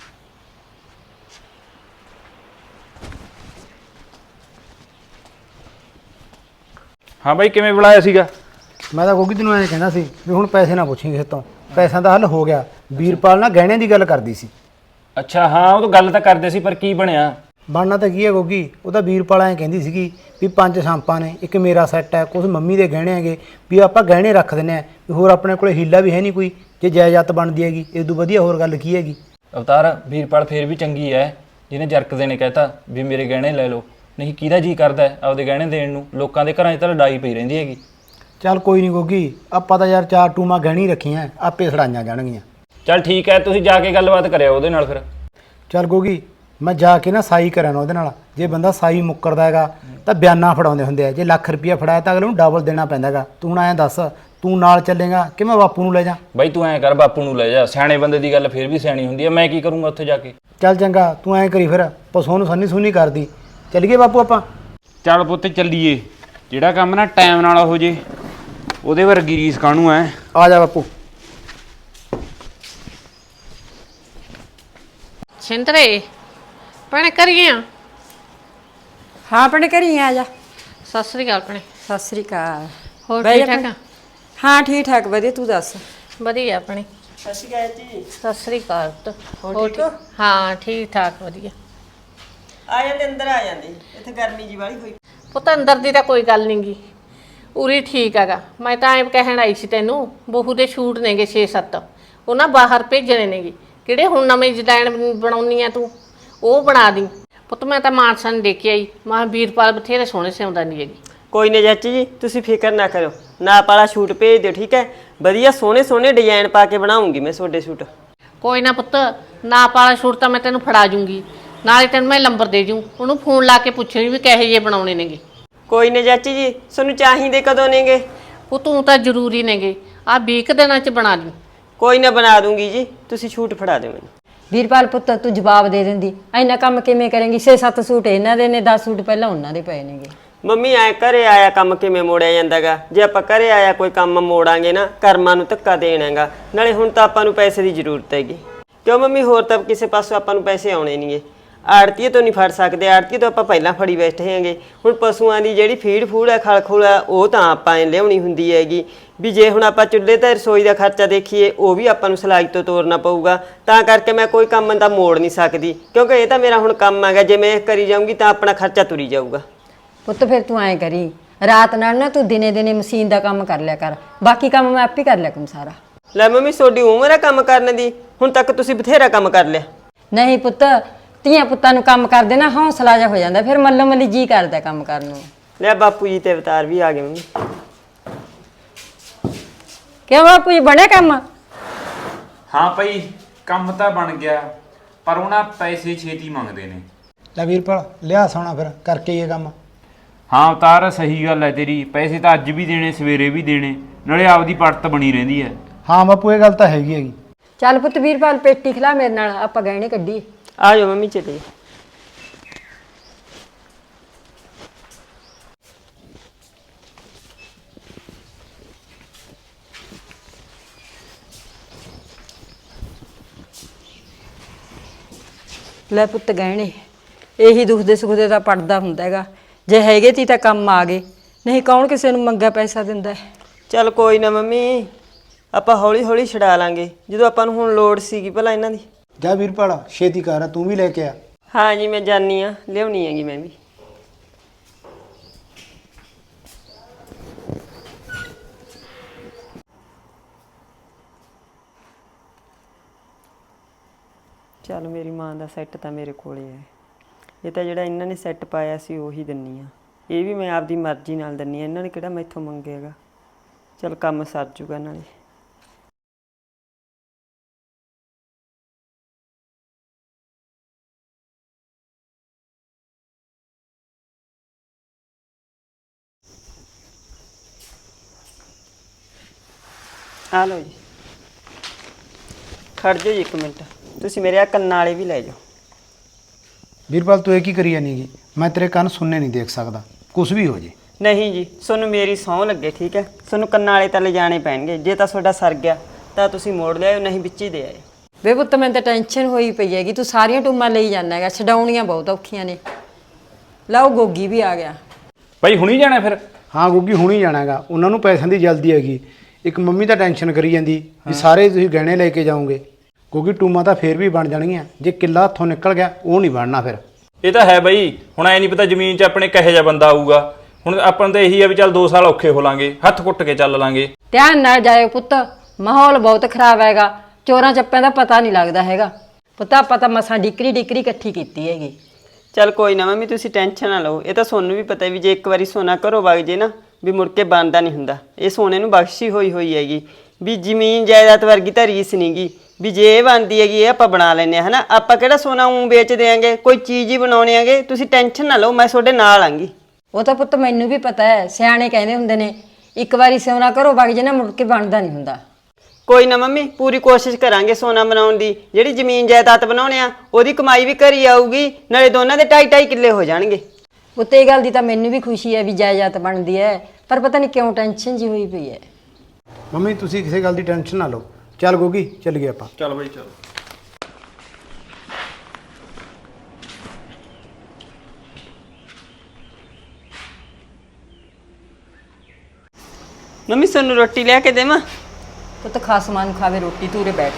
D: ਹਾਂ ਬਾਈ, ਕਿਵੇਂ ਬੁਲਾਇਆ ਸੀਗਾ?
B: ਮੈਂ ਤਾਂ ਗੋਗੀ ਤੈਨੂੰ ਐਂ ਕਹਿੰਦਾ ਸੀ ਵੀ ਹੁਣ ਪੈਸੇ ਨਾ ਪੁੱਛੀ ਕਿਸੇ ਤੋਂ, ਪੈਸਿਆਂ ਦਾ ਹੱਲ ਹੋ ਗਿਆ। ਵੀਰਪਾਲ ਨਾਲ ਗਹਿਣੇ ਦੀ ਗੱਲ ਕਰਦੀ ਸੀ।
D: ਅੱਛਾ ਹਾਂ, ਉਹ ਤਾਂ ਗੱਲ ਤਾਂ ਕਰਦੇ ਸੀ, ਪਰ ਕੀ ਬਣਿਆ?
B: ਬਣਨਾ ਤਾਂ ਕੀ ਹੈ ਗੋਗੀ, ਉਹ ਤਾਂ ਵੀਰਪਾਲ ਐਂ ਕਹਿੰਦੀ ਸੀਗੀ ਵੀ 5 ਸ਼ਾਂਪਾਂ ਨੇ, ਇੱਕ ਮੇਰਾ ਸੈੱਟ ਹੈ, ਕੁਝ ਮੰਮੀ ਦੇ ਗਹਿਣੇ ਹੈਗੇ, ਵੀ ਆਪਾਂ ਗਹਿਣੇ ਰੱਖ ਦਿੰਦੇ ਆ, ਵੀ ਹੋਰ ਆਪਣੇ ਕੋਲ ਹੀਲਾ ਵੀ ਹੈ ਨਹੀਂ ਕੋਈ, ਜੇ ਜਾਇਦਾਦ ਬਣਦੀ ਹੈਗੀ ਇਹ ਤੋਂ ਵਧੀਆ ਹੋਰ ਗੱਲ ਕੀ ਹੈਗੀ।
D: ਅਵਤਾਰ ਵੀਰਪਾਲ ਫੇਰ ਵੀ ਚੰਗੀ ਐ, ਜਿਹਨੇ ਜਰਕਦੇ ਨੇ ਕਹਿਤਾ ਵੀ ਮੇਰੇ ਗਹਿਣੇ ਲੈ ਲਓ, ਨਹੀਂ ਕਿਹਦਾ ਜੀ ਕਰਦਾ ਆਪਦੇ ਗਹਿਣੇ ਦੇਣ ਨੂੰ? ਲੋਕਾਂ ਦੇ ਘਰਾਂ 'ਚ ਤਾਂ ਲੜਾਈ ਪਈ ਰਹਿੰਦੀ ਹੈਗੀ।
B: ਚੱਲ ਕੋਈ ਨਹੀਂ ਗੋਗੀ, ਆਪਾਂ ਤਾਂ ਯਾਰ 4 ਟੂਮਾਂ ਗਹਿਣੀ ਰੱਖੀਆਂ, ਆਪੇ ਛੜਾਈਆਂ ਜਾਣਗੀਆਂ।
D: ਚੱਲ ਠੀਕ ਐ, ਤੁਸੀਂ ਜਾ ਕੇ ਗੱਲਬਾਤ ਕਰਿਓ ਉਹਦੇ ਨਾਲ ਫਿਰ।
B: ਚੱਲ ਗੋਗੀ ਮੈਂ ਜਾ ਕੇ ਨਾ ਸਾਈ ਕਰਾਂ ਨਾ ਉਹਦੇ ਨਾਲ, ਜੇ ਬੰਦਾ ਸਾਈ ਮੁੱਕਰਦਾ ਹੈਗਾ ਤਾਂ ਬਿਆਨਾ ਫੜਾਉਂਦੇ ਹੁੰਦੇ ਆ, ਜੇ ਲੱਖ ਰੁਪਇਆ ਫੜਾਇਆ ਤਾਂ ਅਗਲੇ ਨੂੰ ਡਬਲ ਦੇਣਾ ਪੈਂਦਾ ਹੈਗਾ। ਤੂੰ ਹੁਣ ਐਂ ਦੱਸ, ਤੂੰ ਨਾਲ ਚੱਲੇਗਾ ਕਿ ਮੈਂ ਬਾਪੂ ਨੂੰ ਲੈ ਜਾ?
D: ਬਾਈ ਤੂੰ ਐਂ ਕਰ, ਬਾਪੂ ਨੂੰ ਲੈ ਜਾ, ਸਿਆਣੇ ਬੰਦੇ ਦੀ ਗੱਲ ਫੇਰ ਵੀ ਸਿਆਣੀ ਹੁੰਦੀ ਐ, ਮੈਂ ਕੀ ਕਰੂੰਗਾ ਉੱਥੇ ਜਾ ਕੇ?
B: ਚੱਲ ਚੰਗਾ, ਤੂੰ ਐਂ ਕਰੀ ਫਿਰ, ਪਸੋਂ ਨੂੰ ਸੰਨੀ ਸੁਨੀ ਕਰਦੀ। ਚੱਲੀਏ ਬਾਪੂ ਆਪਾਂ?
C: ਚੱਲ ਪੁੱਤ ਚੱਲੀਏ, ਜਿਹੜਾ ਕੰਮ ਨਾ ਟਾਈਮ ਨਾਲ ਹੋ ਜੇ ਉਹਦੇ ਵਰਗੀ ਰੀਸ ਕਾਹਨੂੰ ਐ।
B: ਆ ਜਾ ਬਾਪੂ।
F: ਸਿੰਦਰੇ ਭੈਣੇ ਕਰੀਏ ਆ?
E: ਹਾਂ ਆਪਣੇ ਘਰੀ ਆ ਜਾ।
F: ਸਤਿ ਸ੍ਰੀ ਅਕਾਲ ਭੈਣੇ।
E: ਸਤਿ ਸ੍ਰੀ ਅਕਾਲ।
F: ਹੋਰ
E: ਬਹਿ
F: ਠੀਕ
E: ਜਾ
F: ਠਾਕ ਆ?
E: ਹਾਂ ਠੀਕ ਠਾਕ ਵਧੀਆ, ਤੂੰ ਦੱਸ।
F: ਵਧੀਆ ਭੈਣੇ।
A: ਸਤਿ ਸ਼੍ਰੀ ਅਕਾਲ ਜੀ।
F: ਸਤਿ ਸ੍ਰੀ ਅਕਾਲ।
A: ਹੋਰ ਠੀਕ ਹੋ?
F: ਹਾਂ ਠੀਕ ਠਾਕ ਵਧੀਆ।
A: ਆ ਜਾਂਦੇ, ਅੰਦਰ ਆ ਜਾਂਦੇ, ਇੱਥੇ ਗਰਮੀ ਜੀ ਵਾਲੀ ਹੋਈ।
F: ਪੁੱਤ ਅੰਦਰ ਦੀ ਤਾਂ ਕੋਈ ਗੱਲ ਨਹੀਂ ਗੀ, ਉਰੀ ਠੀਕ ਹੈਗਾ। ਮੈਂ ਤਾਂ ਐਂ ਕਹਿਣ ਆਈ ਸੀ ਤੈਨੂੰ, ਬਹੂ ਦੇ ਸ਼ੂਟ ਨੇਗੇ 6-7, ਉਹ ਨਾ ਬਾਹਰ ਭੇਜਣੇ ਨੇਗੇ। ਕਿਹੜੇ ਹੁਣ ਨਵੇਂ ਡਿਜ਼ਾਈਨ ਬਣਾਉਣੀ ਆ ਤੂੰ, ਉਹ ਬਣਾ ਦੀ ਪੁੱਤ। ਮੈਂ ਤਾਂ ਮਾਨਸਾ ਨੂੰ ਦੇਖ ਕੇ ਆਈ, ਮੈਂ ਵੀਰਪਾਲ ਬਥੇਰੇ ਸੋਹਣੇ ਸਿਉਂਦਾ ਨਹੀਂ ਹੈਗੀ।
A: ਕੋਈ ਨਾ ਚਾਚੀ ਜੀ, ਤੁਸੀਂ ਫਿਕਰ ਨਾ ਕਰੋ, ਨਾਪ ਵਾਲਾ ਸ਼ੂਟ ਭੇਜ ਦਿਓ, ਠੀਕ ਹੈ? ਵਧੀਆ ਸੋਹਣੇ ਸੋਹਣੇ ਡਿਜ਼ਾਈਨ ਪਾ ਕੇ ਬਣਾਉਂਗੀ ਮੈਂ ਤੁਹਾਡੇ ਸ਼ੂਟ।
F: ਕੋਈ ਨਾ ਪੁੱਤ, ਨਾਪ ਵਾਲਾ ਸ਼ੂਟ ਤਾਂ ਮੈਂ ਤੈਨੂੰ ਫੜਾ ਜੂੰਗੀ, ਨਾਲੇ ਤੈਨੂੰ ਮੈਂ ਨੰਬਰ ਦੇ ਜੂੰ, ਉਹਨੂੰ ਫੋਨ ਲਾ ਕੇ ਪੁੱਛਣੀ ਵੀ ਕਿਹੋ ਜਿਹੇ ਬਣਾਉਣੇ ਨੇਗੇ।
A: ਕੋਈ ਨਾ ਚਾਚੀ ਜੀ, ਤੁਹਾਨੂੰ ਚਾਹੀਦੇ ਕਦੋਂ ਨੇਗੇ?
F: ਉਹ ਤੂੰ ਤਾਂ ਜ਼ਰੂਰੀ ਨੇਗੇ, ਆ 20 ਦਿਨਾਂ ਚ ਬਣਾ ਲਈ।
A: ਕੋਈ ਨਾ ਬਣਾ ਦੂੰਗੀ ਜੀ, ਤੁਸੀਂ ਛੂਟ ਫੜਾ ਦਿਓ ਮੈਨੂੰ।
E: ਵੀਰਪਾਲ ਪੁੱਤ ਤੂੰ ਜਵਾਬ ਦੇ ਦਿੰਦੀ, ਇੰਨਾ ਕੰਮ ਕਿਵੇਂ ਕਰੇਂਗੀ? 6-7 ਸੂਟ ਇਹਨਾਂ ਦੇ ਨੇ, 10 ਸੂਟ ਪਹਿਲਾਂ ਉਹਨਾਂ ਦੇ ਪਏ ਨੇਗੇ।
A: ਮੰਮੀ ਐ ਘਰੇ ਆਇਆ ਕੰਮ ਕਿਵੇਂ ਮੋੜਿਆ ਜਾਂਦਾਗਾ? ਜੇ ਆਪਾਂ ਘਰੇ ਆਇਆ ਕੋਈ ਕੰਮ ਮੋੜਾਂਗੇ ਨਾ, ਕਰਮਾਂ ਨੂੰ ਧੱਕਾ ਦੇਣਾਗਾ। ਨਾਲੇ ਹੁਣ ਤਾਂ ਆਪਾਂ ਨੂੰ ਪੈਸੇ ਦੀ ਜ਼ਰੂਰਤ ਹੈਗੀ। ਕਿਉਂ ਮੰਮੀ, ਹੋਰ ਤਾਂ ਕਿਸੇ ਪਾਸੋਂ ਆਪਾਂ ਨੂੰ ਪੈਸੇ ਆਉਣੇ ਨਹੀਂਗੇ। ਆੜਤੀਏ ਤੋਂ ਨਹੀਂ ਫੜ ਸਕਦੇ, ਆੜਤੀਏ ਤੋਂ ਆਪਾਂ ਪਹਿਲਾਂ ਫੜੀ ਬੈਠੇ ਹੈਗੇ। ਹੁਣ ਪਸ਼ੂਆਂ ਦੀ ਜਿਹੜੀ ਫੀਡ ਫੂਡ ਹੈ, ਖਲ ਖੁਲ ਹੈ, ਉਹ ਤਾਂ ਆਪਾਂ ਲਿਆਉਣੀ ਹੁੰਦੀ ਹੈਗੀ। ਵੀ ਜੇ ਹੁਣ ਆਪਾਂ ਚੁੱਲ੍ਹੇ ਤੇ ਰਸੋਈ ਦਾ ਖਰਚਾ ਦੇਖੀਏ, ਉਹ ਵੀ ਆਪਾਂ ਨੂੰ ਸਿਲਾਈ ਤੋਂ ਤੋਰਨਾ ਪਊਗਾ। ਤਾਂ ਕਰਕੇ ਮੈਂ ਕੋਈ ਕੰਮ ਦਾ ਮੋੜ ਨਹੀਂ ਸਕਦੀ, ਕਿਉਂਕਿ ਇਹ ਤਾਂ ਮੇਰਾ ਹੁਣ ਕੰਮ ਹੈਗਾ। ਜੇ ਮੈਂ ਇਹ ਕਰੀ ਜਾਊਂਗੀ ਤਾਂ ਆਪਣਾ ਖਰਚਾ ਤੁਰੀ ਜਾਊਗਾ।
E: ਪੁੱਤ ਫਿਰ ਤੂੰ ਐਂ ਕਰੀ, ਰਾਤ ਨਾਲ ਨਾ ਤੂੰ ਦਿਨੇ ਦਿਨੇ ਮਸ਼ੀਨ ਦਾ ਕੰਮ ਕਰ ਲਿਆ ਕਰ, ਬਾਕੀ ਕੰਮ ਮੈਂ ਆਪੇ ਕਰ ਲਿਆ ਕਰੂੰ ਸਾਰਾ।
A: ਲੈ ਮੰਮੀ, ਤੁਹਾਡੀ ਉਮਰ ਹੈ ਕੰਮ ਕਰਨ ਦੀ? ਹੁਣ ਤੱਕ ਤੁਸੀਂ ਬਥੇਰਾ ਕੰਮ ਕਰ ਲਿਆ।
E: ਨਹੀਂ ਪੁੱਤ, ਧੀਆਂ ਪੁੱਤਾਂ ਨੂੰ ਕੰਮ ਕਰਦੇ ਨਾ ਹੌਸਲਾ ਜਿਹਾ ਹੋ ਜਾਂਦਾ, ਫਿਰ ਮੱਲੋ ਮੱਲੀ ਜੀ ਕਰਦਾ ਕੰਮ ਕਰਨ ਨੂੰ।
A: ਲੈ ਬਾਪੂ ਜੀ ਤੇ ਅਵਤਾਰ ਵੀ ਆ ਗਏ ਮੰਮੀ।
E: ਕਿਉਂ ਬਾਪੂ ਜੀ, ਬਣਿਆ ਕੰਮ?
C: ਹਾਂ ਭਾਈ, ਕੰਮ ਤਾਂ ਬਣ ਗਿਆ, ਪਰ ਉਹਨਾਂ ਪੈਸੇ ਛੇਤੀ ਮੰਗਦੇ ਨੇ।
B: ਲੈ ਵੀਰਪਾਲ ਲਿਆ ਸੋਣਾ ਫਿਰ ਕਰਕੇ ਇਹ ਕੰਮ।
C: ਹਾਂ ਅਵਤਾਰ, ਸਹੀ ਗੱਲ ਹੈ ਤੇਰੀ। ਪੈਸੇ ਤਾਂ ਅੱਜ ਵੀ ਦੇਣੇ, ਸਵੇਰੇ ਵੀ ਦੇਣੇ, ਨਾਲੇ ਆਪਦੀ ਪੜਤ ਬਣੀ ਰਹਿੰਦੀ ਹੈ।
B: ਹਾਂ ਬਾਪੂ, ਇਹ ਗੱਲ ਤਾਂ ਹੈਗੀ।
E: ਚੱਲ ਪੁੱਤ ਵੀਰਪਾਲ, ਪੇਟੀ ਖਿਲਾ ਮੇਰੇ ਨਾਲ, ਆਪਾਂ ਗਹਿਣੇ ਕੱਢੀਏ।
A: ਆ ਜਾਓ ਮੰਮੀ, ਚਲੇ।
E: ਲੈ ਪੁੱਤ ਗਹਿਣੇ, ਇਹੀ ਦੁੱਖ ਦੇ ਸੁੱਖ ਦੇ ਤਾਂ ਪੜਦਾ ਹੁੰਦਾ ਹੈਗਾ। ਜੇ ਹੈਗੇ ਤੀ ਤਾਂ ਕੰਮ ਆ ਗਏ, ਨਹੀਂ ਕੌਣ ਕਿਸੇ ਨੂੰ ਮੰਗਾ ਪੈਸਾ ਦਿੰਦਾ ਹੈ।
A: ਚੱਲ ਕੋਈ ਨਾ ਮੰਮੀ, ਆਪਾਂ ਹੌਲੀ ਹੌਲੀ ਛਡਾ ਲਾਂਗੇ, ਜਦੋਂ ਆਪਾਂ ਨੂੰ ਹੁਣ ਲੋੜ ਸੀਗੀ ਭਲਾ ਇਹਨਾਂ ਦੀ।
B: ਜਾ ਵੀਰਪਾਲ ਛੇਤੀ ਕਰ, ਤੂੰ ਵੀ ਲੈ ਕੇ ਆ।
A: ਹਾਂ ਜੀ, ਮੈਂ ਜਾਨੀ ਆ, ਲਿਆਉਣੀ ਹੈਗੀ ਮੈਂ ਵੀ। ਚੱਲ ਮੇਰੀ ਮਾਂ ਦਾ ਸੈੱਟ ਤਾਂ ਮੇਰੇ ਕੋਲੇ ਹੈ। ਇਹ ਤਾਂ ਜਿਹੜਾ ਇਹਨਾਂ ਨੇ ਸੈੱਟ ਪਾਇਆ ਸੀ ਉਹੀ ਦਿੰਨੀ ਆ। ਇਹ ਵੀ ਮੈਂ ਆਪਦੀ ਮਰਜ਼ੀ ਨਾਲ ਦਿੰਨੀ ਆ, ਇਹਨਾਂ ਨੇ ਕਿਹੜਾ ਮੈਥੋਂ ਮੰਗੇਗਾ। ਚੱਲ ਕੰਮ ਸਰ ਜੂਗਾ ਨਾਲੇ। ਆ ਲਓ ਜੀ, ਖੜ ਜਾਓ ਜੀ 1 ਮਿੰਟ। ਤੁਸੀਂ ਮੇਰੇ ਆ ਕੰਨਾਂ ਵਾਲੇ ਵੀ ਲੈ ਜਾਓ।
B: ਵੀਰਪਾਲ ਤੂੰ ਇਹ ਕੀ ਕਰੀ ਜਾਨੀ ਗੀ? ਮੈਂ ਤੇਰੇ ਕੰਨ ਸੁਣਨੇ ਨਹੀਂ ਦੇਖ ਸਕਦਾ, ਕੁਝ ਵੀ ਹੋ ਜੇ।
A: ਨਹੀਂ ਜੀ, ਤੁਹਾਨੂੰ ਮੇਰੀ ਸਹੁੰ ਲੱਗੇ, ਠੀਕ ਹੈ? ਤੁਹਾਨੂੰ ਕੰਨਾਂ ਵਾਲੇ ਤਾਂ ਲਿਜਾਣੇ ਪੈਣਗੇ। ਜੇ ਤਾਂ ਤੁਹਾਡਾ ਸਰ ਗਿਆ ਤਾਂ ਤੁਸੀਂ ਮੋੜ ਲਿਆਓ, ਨਹੀਂ ਵਿੱਚ ਹੀ ਦੇ ਆਏ।
E: ਵੇ ਪੁੱਤ ਮੈਨੂੰ ਤਾਂ ਟੈਨਸ਼ਨ ਹੋਈ ਪਈ ਹੈਗੀ, ਤੂੰ ਸਾਰੀਆਂ ਟੂਮਾਂ ਲਈ ਜਾਂਦਾ ਹੈਗਾ, ਛਡਾਉਣੀਆਂ ਬਹੁਤ ਔਖੀਆਂ ਨੇ। ਲਓ ਗੋਗੀ ਵੀ ਆ ਗਿਆ।
D: ਭਾਈ ਹੁਣੀ ਜਾਣਾ ਫਿਰ?
B: ਹਾਂ ਗੁੱਗੀ ਹੁਣੀ ਜਾਣਾ ਹੈਗਾ, ਉਹਨਾਂ ਨੂੰ ਪੈਸਿਆਂ ਦੀ ਜਲਦੀ ਹੈਗੀ। ਇੱਕ ਮੰਮੀ ਤਾਂ ਟੈਨਸ਼ਨ ਕਰੀ ਜਾਂਦੀ ਵੀ ਸਾਰੇ ਤੁਸੀਂ ਗਹਿਣੇ ਲੈ ਕੇ ਜਾਓਗੇ। ਕਿਉਂਕਿ ਟੂਮਾਂ ਤਾਂ ਫੇਰ ਵੀ ਬਣ ਜਾਣਗੀਆਂ, ਜੇ ਕਿੱਲਾ ਹੱਥੋਂ ਨਿਕਲ ਗਿਆ ਉਹ ਨਹੀਂ ਬਣਨਾ ਫਿਰ।
D: ਇਹ ਤਾਂ ਹੈ ਬਈ, ਹੁਣ ਐ ਨਹੀਂ ਪਤਾ ਜ਼ਮੀਨ 'ਚ ਆਪਣੇ ਕਹੇ ਜਿਹਾ ਬੰਦਾ ਆਊਗਾ। ਹੁਣ ਆਪਾਂ ਨੂੰ ਤਾਂ ਇਹੀ ਆ ਵੀ ਚੱਲ 2 ਸਾਲ ਔਖੇ ਹੋ ਲਾਂਗੇ, ਹੱਥ ਕੁੱਟ ਕੇ ਚੱਲ ਲਾਂਗੇ।
E: ਧਿਆਨ ਨਾਲ ਜਾਇਓ ਪੁੱਤ, ਮਾਹੌਲ ਬਹੁਤ ਖਰਾਬ ਹੈਗਾ, ਚੋਰਾਂ ਚੱਪਿਆਂ ਦਾ ਪਤਾ ਨਹੀਂ ਲੱਗਦਾ ਹੈਗਾ। ਪੁੱਤ ਆਪਾਂ ਤਾਂ ਮਸਾਂ ਡਿਕਰੀ ਇਕੱਠੀ ਕੀਤੀ ਹੈਗੀ।
A: ਚੱਲ ਕੋਈ ਨਾ ਮੰਮੀ, ਤੁਸੀਂ ਟੈਨਸ਼ਨ ਨਾ ਲਓ। ਇਹ ਤਾਂ ਤੁਹਾਨੂੰ ਵੀ ਪਤਾ ਵੀ ਜੇ ਇੱਕ ਵਾਰੀ ਸੋਨਾ ਘਰੋਂ ਵਗ ਜੇ ਨਾ, ਵੀ ਮੁੜ ਕੇ ਬਣਦਾ ਨਹੀਂ ਹੁੰਦਾ। ਇਹ ਸੋਨੇ ਨੂੰ ਬਖਸ਼ੀ ਹੋਈ ਹੈਗੀ, ਵੀ ਜ਼ਮੀਨ ਜਾਇਦਾਦ ਵਰਗੀ ਤਾਂ ਰੀਸ ਨਹੀਂਗੀ। ਵੀ ਜੇ ਇਹ ਬਣਦੀ ਹੈਗੀ, ਇਹ ਆਪਾਂ ਬਣਾ ਲੈਂਦੇ ਹਾਂ, ਹਨਾ? ਆਪਾਂ ਕਿਹੜਾ ਸੋਨਾ ਵੇਚ ਦਿਆਂਗੇ, ਕੋਈ ਚੀਜ਼ ਹੀ ਬਣਾਉਣੇ ਆਂਗੇ। ਤੁਸੀਂ ਟੈਨਸ਼ਨ ਨਾ ਲਓ, ਮੈਂ ਤੁਹਾਡੇ ਨਾਲ ਆਂਗੀ।
E: ਉਹ ਤਾਂ ਪੁੱਤ ਮੈਨੂੰ ਵੀ ਪਤਾ ਹੈ, ਸਿਆਣੇ ਕਹਿੰਦੇ ਹੁੰਦੇ ਨੇ ਇੱਕ ਵਾਰੀ ਸੋਨਾ ਘਰੋਂ ਵਗ ਜੇ ਨਾ, ਮੁੜ ਕੇ ਬਣਦਾ ਨਹੀਂ ਹੁੰਦਾ।
A: ਕੋਈ ਨਾ ਮੰਮੀ, ਪੂਰੀ ਕੋਸ਼ਿਸ਼ ਕਰਾਂਗੇ ਸੋਨਾ ਬਣਾਉਣ ਦੀ। ਜਿਹੜੀ ਜ਼ਮੀਨ ਜਾਇਦਾਦ ਬਣਾਉਣੇ ਆ, ਉਹਦੀ ਕਮਾਈ ਵੀ ਘਰੀ ਆਊਗੀ, ਨਾਲੇ ਦੋਨਾਂ ਦੇ 2.5 ਕਿੱਲੇ ਹੋ ਜਾਣਗੇ।
E: ਉੱਤੇ ਇਹ ਗੱਲ ਦੀ ਤਾਂ ਮੈਨੂੰ ਵੀ ਖੁਸ਼ੀ ਹੈ ਵੀ ਜਾਇਦਾਦ ਬਣਦੀ ਹੈ, ਪਰ ਪਤਾ ਨਹੀਂ ਕਿਉਂ ਟੈਨਸ਼ਨ ਜੀ ਹੋਈ ਪਈ ਹੈ।
B: ਮੰਮੀ ਤੁਸੀਂ ਕਿਸੇ ਗੱਲ ਦੀ ਟੈਨਸ਼ਨ ਨਾ ਲਓ। ਚੱਲ ਗੋਗੀ ਚੱਲ ਗਏ ਆਪਾਂ।
D: ਚੱਲ ਬਈ ਚੱਲ।
A: ਮੰਮੀ ਤੁਹਾਨੂੰ ਰੋਟੀ ਲਿਆ ਕੇ ਦੇਵਾਂ?
E: ਪੁੱਤ ਖਾਸਮਾਂ ਨੂੰ ਖਾਵੇ ਰੋਟੀ, ਤੂਰੇ ਬੈਠ।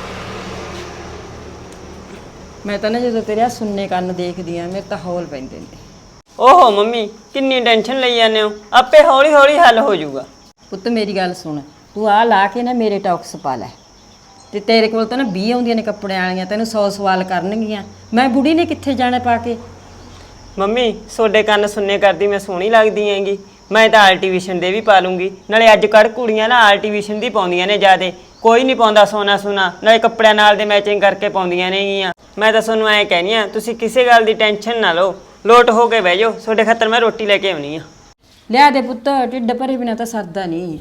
E: ਮੈਂ ਤਾਂ ਨਾ ਜਦੋਂ ਤੇਰੇ ਆ ਸੁੰਨੇ ਕੰਨ ਦੇਖਦੀ ਆ, ਮੇਰੇ ਤਾਂ ਹੌਲ ਪੈਂਦੇ ਨੇ।
A: ਓਹੋ ਮੰਮੀ, ਕਿੰਨੀ ਟੈਨਸ਼ਨ ਲਈ ਜਾਂਦੇ ਹੋ? ਆਪੇ ਹੌਲੀ ਹੌਲੀ ਹੱਲ ਹੋ ਜਾਊਗਾ।
E: ਪੁੱਤ ਮੇਰੀ ਗੱਲ ਸੁਣ, ਤੂੰ ਆ ਲਾ ਕੇ ਨਾ ਮੇਰੇ ਟੌਕਸ ਪਾ ਲੈ, ਤੇ ਤੇਰੇ ਕੋਲ ਤਾਂ ਨਾ 20 ਆਉਂਦੀਆਂ ਨੇ ਕੱਪੜੇ ਵਾਲੀਆਂ, ਤੈਨੂੰ 100 ਸਵਾਲ ਕਰਨਗੀਆਂ। ਮੈਂ ਬੁੜੀ ਨੇ ਕਿੱਥੇ ਜਾਣਾ ਪਾ ਕੇ?
A: ਮੰਮੀ ਤੁਹਾਡੇ ਕੰਨ ਸੁਣਨੇ ਕਰਦੀ ਮੈਂ ਸੋਹਣੀ ਲੱਗਦੀ ਹੈਗੀ। ਮੈਂ ਤਾਂ ਆਰਟੀਫਿਸ਼ਨ ਦੇ ਵੀ ਪਾ ਲੂੰਗੀ। ਨਾਲੇ ਅੱਜ ਕੱਲ੍ਹ ਕੁੜੀਆਂ ਨਾ ਆਰਟੀਫਿਸ਼ਨ ਦੀ ਪਾਉਂਦੀਆਂ ਨੇ ਜ਼ਿਆਦੇ, ਕੋਈ ਨਹੀਂ ਪਾਉਂਦਾ ਸੋਨਾ ਸੁਨਾ, ਨਾਲੇ ਕੱਪੜਿਆਂ ਨਾਲ ਦੇ ਮੈਚਿੰਗ ਕਰਕੇ ਪਾਉਂਦੀਆਂ ਨੇਗੀਆਂ। ਮੈਂ ਤਾਂ ਤੁਹਾਨੂੰ ਐਂ ਕਹਿਨੀ ਆ, ਤੁਸੀਂ ਕਿਸੇ ਗੱਲ ਦੀ ਟੈਨਸ਼ਨ ਨਾ ਲਓ, ਲੋਟ ਹੋ ਕੇ ਬਹਿ ਜਾਓ। ਤੁਹਾਡੇ ਖਾਤਰ ਮੈਂ ਰੋਟੀ ਲੈ ਕੇ ਆਉਣੀ ਆ।
E: ਲਿਆ ਦੇ ਪੁੱਤ, ਢਿੱਡ ਭਰੇ ਬਿਨਾ ਤਾਂ ਸਰਦਾ ਨਹੀਂ।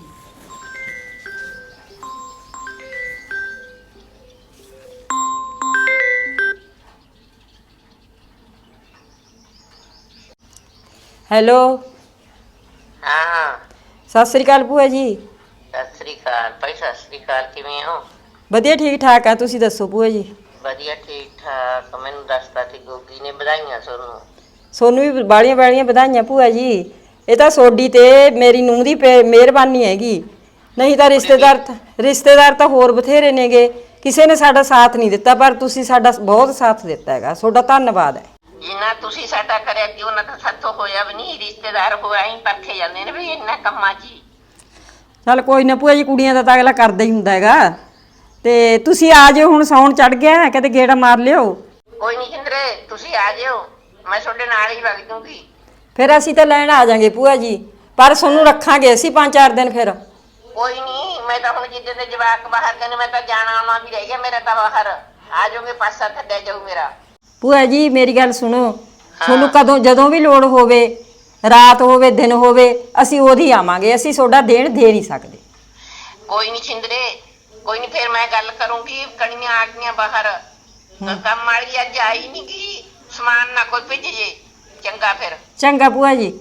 E: ਹੈਲੋ,
G: ਹਾਂ
E: ਸਤਿ ਸ੍ਰੀ ਅਕਾਲ ਭੂਆ ਜੀ।
G: ਸਤਿ ਸ੍ਰੀ ਅਕਾਲ ਭਾਈ, ਸਤਿ ਸ੍ਰੀ ਅਕਾਲ। ਕਿਵੇਂ ਹੋ?
E: ਵਧੀਆ ਠੀਕ ਠਾਕ ਆ, ਤੁਸੀਂ ਦੱਸੋ ਭੂਆ ਜੀ?
G: ਵਧੀਆ ਠੀਕ ਠਾਕ। ਮੈਨੂੰ ਦੱਸਦਾ ਸੀ ਗੋਗੀ ਨੇ, ਵਧਾਈਆਂ ਤੁਹਾਨੂੰ।
E: ਸੋਨੂੰ ਵੀ ਬਾਲੀਆਂ ਬਾਲੀਆਂ ਵਧਾਈਆਂ ਭੂਆ ਜੀ। ਇਹ ਤਾਂ ਸੋਡੀ ਤੇ ਮੇਰੀ ਨੂੰਹ ਦੀ ਮਿਹਰਬਾਨੀ ਹੈਗੀ, ਨਹੀਂ ਤਾਂ ਰਿਸ਼ਤੇਦਾਰ ਤਾਂ ਹੋਰ ਬਥੇਰੇ ਨੇਗੇ, ਕਿਸੇ ਨੇ ਸਾਡਾ ਸਾਥ ਨਹੀਂ ਦਿੱਤਾ, ਪਰ ਤੁਸੀਂ ਸਾਡਾ ਬਹੁਤ ਸਾਥ ਦਿੱਤਾ ਹੈਗਾ, ਤੁਹਾਡਾ ਧੰਨਵਾਦ ਹੈ।
G: ਜਿੰਨਾ ਤੁਸੀਂ ਸਾਡਾ ਕਰਿਆ ਕਿ ਉਹਨਾਂ ਤਾਂ ਸਾਥੋਂ ਹੋਇਆ ਵੀ ਨਹੀਂ। ਰਿਸ਼ਤੇਦਾਰ ਹੋਇਆ ਹੀ ਪਰਖੇ ਜਾਂਦੇ ਨੇ ਵੀ ਇੰਨਾ ਕੰਮਾਂ 'ਚ ਹੀ।
E: ਚੱਲ ਕੋਈ ਨਾ ਭੂਆ ਜੀ, ਕੁੜੀਆਂ ਦਾ ਤਾਂ ਅਗਲਾ ਕਰਦਾ ਹੀ ਹੁੰਦਾ ਹੈਗਾ। ਤੇ ਤੁਸੀਂ ਆ ਜਾਓ, ਹੁਣ ਸਾਉਣ ਚੜ ਗਿਆ, ਕਦੇ ਗੇੜਾ ਮਾਰ ਲਿਓ।
G: ਕੋਈ ਨਹੀਂ ਜਿੰਦਰੇ, ਤੁਸੀਂ ਆ ਜਿਓ, ਮੈਂ ਤੁਹਾਡੇ ਨਾਲ ਹੀ ਵਗ ਜੂੰਗੀ।
E: ਫਿਰ ਅਸੀਂ ਤਾਂ ਲੈਣ ਆ ਜਾਾਂਗੇ ਭੂਆ ਜੀ, ਪਰ ਤੁਹਾਨੂੰ ਰੱਖਾਂਗੇ ਅਸੀਂ 5-4 ਦਿਨ। ਫਿਰ
G: ਕੋਈ ਨਹੀਂ, ਮੈਂ ਤਾਂ ਹੁਣ ਜਿੱਦੇ ਦੇ ਜਵਾਕ ਬਾਹਰ ਗਏ ਨੇ, ਮੈਂ ਤਾਂ ਜਾਣਾ ਆਉਣਾ ਵੀ ਰਹਿ ਗਿਆ ਮੇਰਾ ਤਾਂ ਬਾਹਰ। ਆ ਜਾਓਗੇ, ਪਾਸਾ ਥੱਲੇ ਜਾਊ ਮੇਰਾ।
E: ਭੂਆ ਜੀ ਮੇਰੀ ਗੱਲ ਸੁਣੋ, ਤੁਹਾਨੂੰ ਕਦੋਂ ਜਦੋਂ ਵੀ ਲੋੜ ਹੋਵੇ, ਰਾਤ ਹੋਵੇ ਦਿਨ ਹੋਵੇ, ਅਸੀਂ ਉਹਦੀ ਆਵਾਂਗੇ, ਅਸੀਂ ਤੁਹਾਡਾ ਦੇਣ ਦੇ ਨਹੀਂ ਸਕਦੇ।
G: ਕੋਈ ਨਹੀਂ ਛਿੰਦਰੇ, ਕੋਈ ਨਹੀਂ, ਫਿਰ ਮੈਂ ਗੱਲ ਕਰੂੰਗੀ। ਕਣੀਆਂ ਆ ਗਈਆਂ ਬਾਹਰ, ਕੰਮ ਵਾਲੀ ਅੱਜ ਆਈ ਨਹੀਂ ਗਈ, ਸਮਾਨ ਨਾ ਕੋਈ ਭੇਜ ਜੇ। ਚੰਗਾ ਫਿਰ।
E: ਚੰਗਾ ਭੂਆ ਜੀ।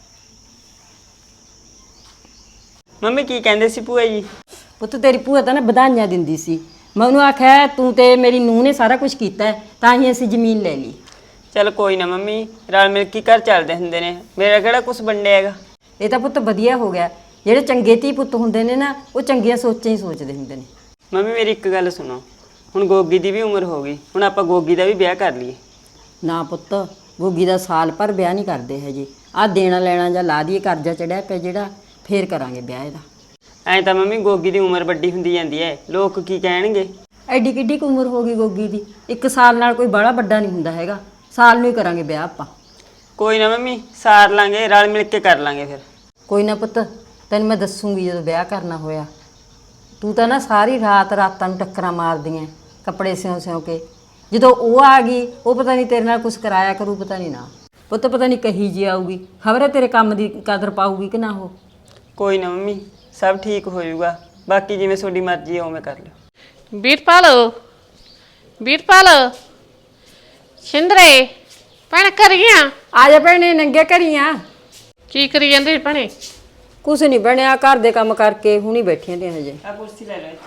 A: ਮੰਮੀ ਕੀ ਕਹਿੰਦੇ ਸੀ ਭੂਆ ਜੀ?
E: ਪੁੱਤ ਤੇਰੀ ਭੂਆ ਤਾਂ ਨਾ ਵਧਾਈਆਂ ਦਿੰਦੀ ਸੀ, ਮੈਂ ਉਹਨੂੰ ਆਖਿਆ ਤੂੰ ਤੇ ਮੇਰੀ ਨੂੰਹ ਨੇ ਸਾਰਾ ਕੁਝ ਕੀਤਾ ਹੈ, ਤਾਂ ਹੀ ਅਸੀਂ ਜ਼ਮੀਨ ਲੈ ਲਈ।
A: ਚਲ ਕੋਈ ਨਾ ਮੰਮੀ, ਰਲ ਮਿਲ ਕੇ ਘਰ ਚੱਲਦੇ ਹੁੰਦੇ ਨੇ, ਮੇਰਾ ਕਿਹੜਾ ਕੁਝ ਵੰਡਿਆ ਹੈਗਾ।
E: ਇਹ ਤਾਂ ਪੁੱਤ ਵਧੀਆ ਹੋ ਗਿਆ, ਜਿਹੜੇ ਚੰਗੇ ਧੀ ਪੁੱਤ ਹੁੰਦੇ ਨੇ ਨਾ, ਉਹ ਚੰਗੀਆਂ ਸੋਚਾਂ ਹੀ ਸੋਚਦੇ ਹੁੰਦੇ ਨੇ।
A: ਮੰਮੀ ਮੇਰੀ ਇੱਕ ਗੱਲ ਸੁਣੋ, ਹੁਣ ਗੋਗੀ ਦੀ ਵੀ ਉਮਰ ਹੋ ਗਈ, ਹੁਣ ਆਪਾਂ ਗੋਗੀ ਦਾ ਵੀ ਵਿਆਹ ਕਰ ਲਈਏ।
E: ਨਾ ਪੁੱਤ, ਗੋਗੀ ਦਾ ਸਾਲ ਭਰ ਵਿਆਹ ਨਹੀਂ ਕਰਦੇ ਹਜੇ, ਆਹ ਦੇਣਾ ਲੈਣਾ ਜਾਂ ਲਾ ਦੀਏ, ਕਰਜ਼ਾ ਚੜਿਆ ਪਿਆ ਜਿਹੜਾ, ਫੇਰ ਕਰਾਂਗੇ ਵਿਆਹ ਇਹਦਾ।
A: ਐਂ ਤਾਂ ਮੰਮੀ ਗੋਗੀ ਦੀ ਉਮਰ ਵੱਡੀ ਹੁੰਦੀ ਜਾਂਦੀ ਹੈ, ਲੋਕ ਕੀ ਕਹਿਣਗੇ।
E: ਐਡੀ ਕਿੱਡੀ ਕੁ ਉਮਰ ਹੋ ਗਈ ਗੋਗੀ ਦੀ, 1 ਸਾਲ ਨਾਲ ਕੋਈ ਬੜਾ ਵੱਡਾ ਨਹੀਂ ਹੁੰਦਾ ਹੈਗਾ, ਸਾਲ ਨੂੰ ਹੀ ਕਰਾਂਗੇ ਵਿਆਹ ਆਪਾਂ।
A: ਕੋਈ ਨਾ ਮੰਮੀ, ਸਾਰ ਲਾਂਗੇ, ਰਲ ਮਿਲ ਕੇ ਕਰ ਲਾਂਗੇ ਫਿਰ।
E: ਕੋਈ ਨਾ ਪੁੱਤ, ਤੈਨੂੰ ਮੈਂ ਦੱਸੂਗੀ ਜਦੋਂ ਵਿਆਹ ਕਰਨਾ ਹੋਇਆ। ਤੂੰ ਤਾਂ ਨਾ ਸਾਰੀ ਰਾਤਾਂ ਨੂੰ ਟੱਕਰਾਂ ਮਾਰਦੀਆਂ ਕੱਪੜੇ ਸਿਉਂ ਕੇ, ਜਦੋਂ ਉਹ ਆ ਗਈ, ਉਹ ਪਤਾ ਨਹੀਂ ਤੇਰੇ ਨਾਲ ਕੁਝ ਕਰਾਇਆ ਕਰੂ, ਪਤਾ ਨਹੀਂ ਨਾ ਪੁੱਤ, ਪਤਾ ਨਹੀਂ ਕਹੀ ਜੀ ਆਊਗੀ, ਖਬਰ ਹੈ ਤੇਰੇ ਕੰਮ ਦੀ ਕਦਰ ਪਾਊਗੀ ਕਿ ਨਾ। ਉਹ
A: ਕੋਈ ਨਾ ਮੰਮੀ, ਸਭ ਠੀਕ ਹੋ ਜਾਊਗਾ, ਬਾਕੀ ਜਿਵੇਂ ਤੁਹਾਡੀ ਮਰਜ਼ੀ ਹੈ ਉਵੇਂ ਕਰ ਲਿਓ।
F: ਵੀਰਪਾਲ, ਵੀਰਪਾਲ, ਛਿੰਦਰੇ ਭੈਣ ਕਰੀਆਂ
E: ਆ ਜਾ ਭੈਣੇ, ਨੰਗੇ ਘਰੀਆਂ।
F: ਕੀ ਕਰੀ ਜਾਂਦੇ ਭੈਣੇ?
E: ਕੁਛ ਨਹੀਂ ਬਣਿਆ, ਘਰ ਦੇ ਕੰਮ ਕਰਕੇ ਹੁਣੀ ਬੈਠੀਆਂ ਤੇ ਹਜੇ।
A: ਆ ਕੁਰਸੀ ਲੈ ਲੈ।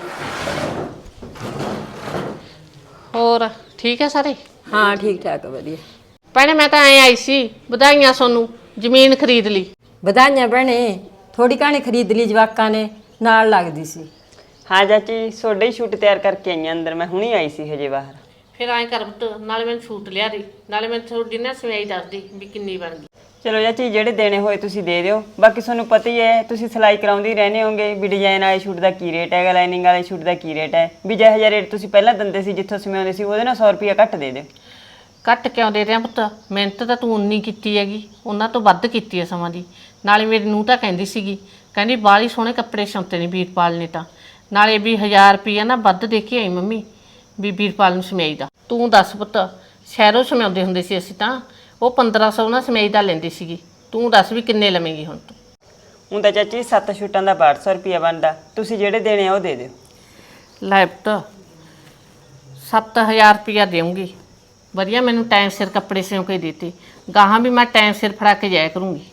F: ਹੋਰ ਠੀਕ ਹੈ ਸਾਰੇ?
E: ਹਾਂ ਠੀਕ ਠਾਕ ਵਧੀਆ।
F: ਭੈਣੇ ਮੈਂ ਤਾਂ ਐ ਆਈ ਸੀ, ਵਧਾਈਆਂ ਸੋਨੂੰ, ਜ਼ਮੀਨ ਖਰੀਦ ਲਈ।
E: ਵਧਾਈਆਂ ਭੈਣੇ, ਥੋੜੀ ਕਹਾਣੀ ਖਰੀਦ ਲਈ, ਜਵਾਕਾਂ ਨੇ ਨਾਲ ਲੱਗਦੀ ਸੀ।
A: ਹਾਂ ਚਾਚੀ, ਤੁਹਾਡੇ ਹੀ ਸ਼ੂਟ ਤਿਆਰ ਕਰਕੇ ਆਈਆਂ ਅੰਦਰ, ਮੈਂ ਹੁਣੀ ਆਈ ਸੀ ਹਜੇ ਬਾਹਰ।
F: ਫਿਰ ਐਂ ਕਰ ਪੁੱਤ, ਨਾਲੇ ਮੈਨੂੰ ਸੂਟ ਲਿਆ ਦੇ, ਨਾਲੇ ਮੈਨੂੰ ਤੁਹਾਡੀ ਨਾ ਸਵਾਈ ਦੱਸ ਦੀ ਵੀ ਕਿੰਨੀ ਬਣ ਗਈ।
A: ਚਲੋ ਚਾਚੀ, ਜਿਹੜੇ ਦੇਣੇ ਹੋਏ ਤੁਸੀਂ ਦੇ ਦਿਓ, ਬਾਕੀ ਤੁਹਾਨੂੰ ਪਤਾ ਹੀ ਹੈ, ਤੁਸੀਂ ਸਿਲਾਈ ਕਰਾਉਂਦੇ ਹੀ ਰਹਿੰਦੇ ਹੋਗੇ ਵੀ ਡਿਜ਼ਾਈਨ ਵਾਲੇ ਸ਼ੂਟ ਦਾ ਕੀ ਰੇਟ ਹੈਗਾ, ਲਾਈਨਿੰਗ ਵਾਲੇ ਸ਼ੂਟ ਦਾ ਕੀ ਰੇਟ ਹੈ, ਵੀ ਜਿਹੋ ਜਿਹਾ ਰੇਟ ਤੁਸੀਂ ਪਹਿਲਾਂ ਦਿੰਦੇ ਸੀ ਜਿੱਥੋਂ ਸਿਮਾਉਂਦੇ ਸੀ, ਉਹਦੇ ਨਾਲ 100 ਰੁਪਇਆ ਘੱਟ ਦੇ ਦਿਓ।
F: ਘੱਟ ਕਿਉਂ ਦੇ ਰਿਹਾ ਪੁੱਤ, ਮਿਹਨਤ ਤਾਂ ਤੂੰ ਉਨੀ ਕੀਤੀ ਹੈਗੀ, ਉਹਨਾਂ ਤੋਂ ਵੱਧ ਕੀਤੀ ਹੈ ਸਮਾਂ ਦੀ। ਨਾਲੇ ਮੇਰੀ ਨੂੰਹ ਤਾਂ ਕਹਿੰਦੀ ਸੀਗੀ, ਕਹਿੰਦੀ ਬਾਹਲੀ ਸੋਹਣੇ ਕੱਪੜੇ ਸਿਉਂਤੇ ਨੇ ਵੀਰਪਾਲ ਨੇ ਤਾਂ, ਨਾਲੇ ਵੀ 1000 ਰੁਪਇਆ ਨਾ ਵੱਧ ਦੇ ਕੇ ਆਈ ਮੰਮੀ ਵੀ ਵੀਰਪਾਲ ਨੂੰ ਸਮਾਈ ਦਾ। ਤੂੰ ਦੱਸ ਪੁੱਤ, ਸ਼ਹਿਰੋਂ ਸਮਾਉਂਦੇ ਹੁੰਦੇ ਸੀ ਅਸੀਂ ਤਾਂ, ਉਹ 1500 ਨਾ ਸਮਾਈ ਦਾ ਲੈਂਦੀ ਸੀਗੀ, ਤੂੰ ਦੱਸ ਵੀ ਕਿੰਨੇ ਲਵੇਂਗੀ ਹੁਣ ਤੂੰ?
A: ਹੁਣ ਤਾਂ ਚਾਚੀ 7 ਸ਼ੂਟਾਂ ਦਾ 1200 ਰੁਪਇਆ ਬਣਦਾ, ਤੁਸੀਂ ਜਿਹੜੇ ਦੇਣੇ ਆ ਉਹ ਦੇ ਦਿਓ।
F: ਲੈ ਪੁੱਤ, 7000 ਰੁਪਇਆ ਦੇਵਾਂਗੀ, ਵਧੀਆ ਮੈਨੂੰ ਟਾਈਮ ਸਿਰ ਕੱਪੜੇ ਸਿਉਂ ਕੇ ਦਿੱਤੇ, ਗਾਹਾਂ ਵੀ ਮੈਂ ਟਾਈਮ ਸਿਰ ਫੜਾ ਕੇ ਜਾਇਆ ਕਰੂੰਗੀ।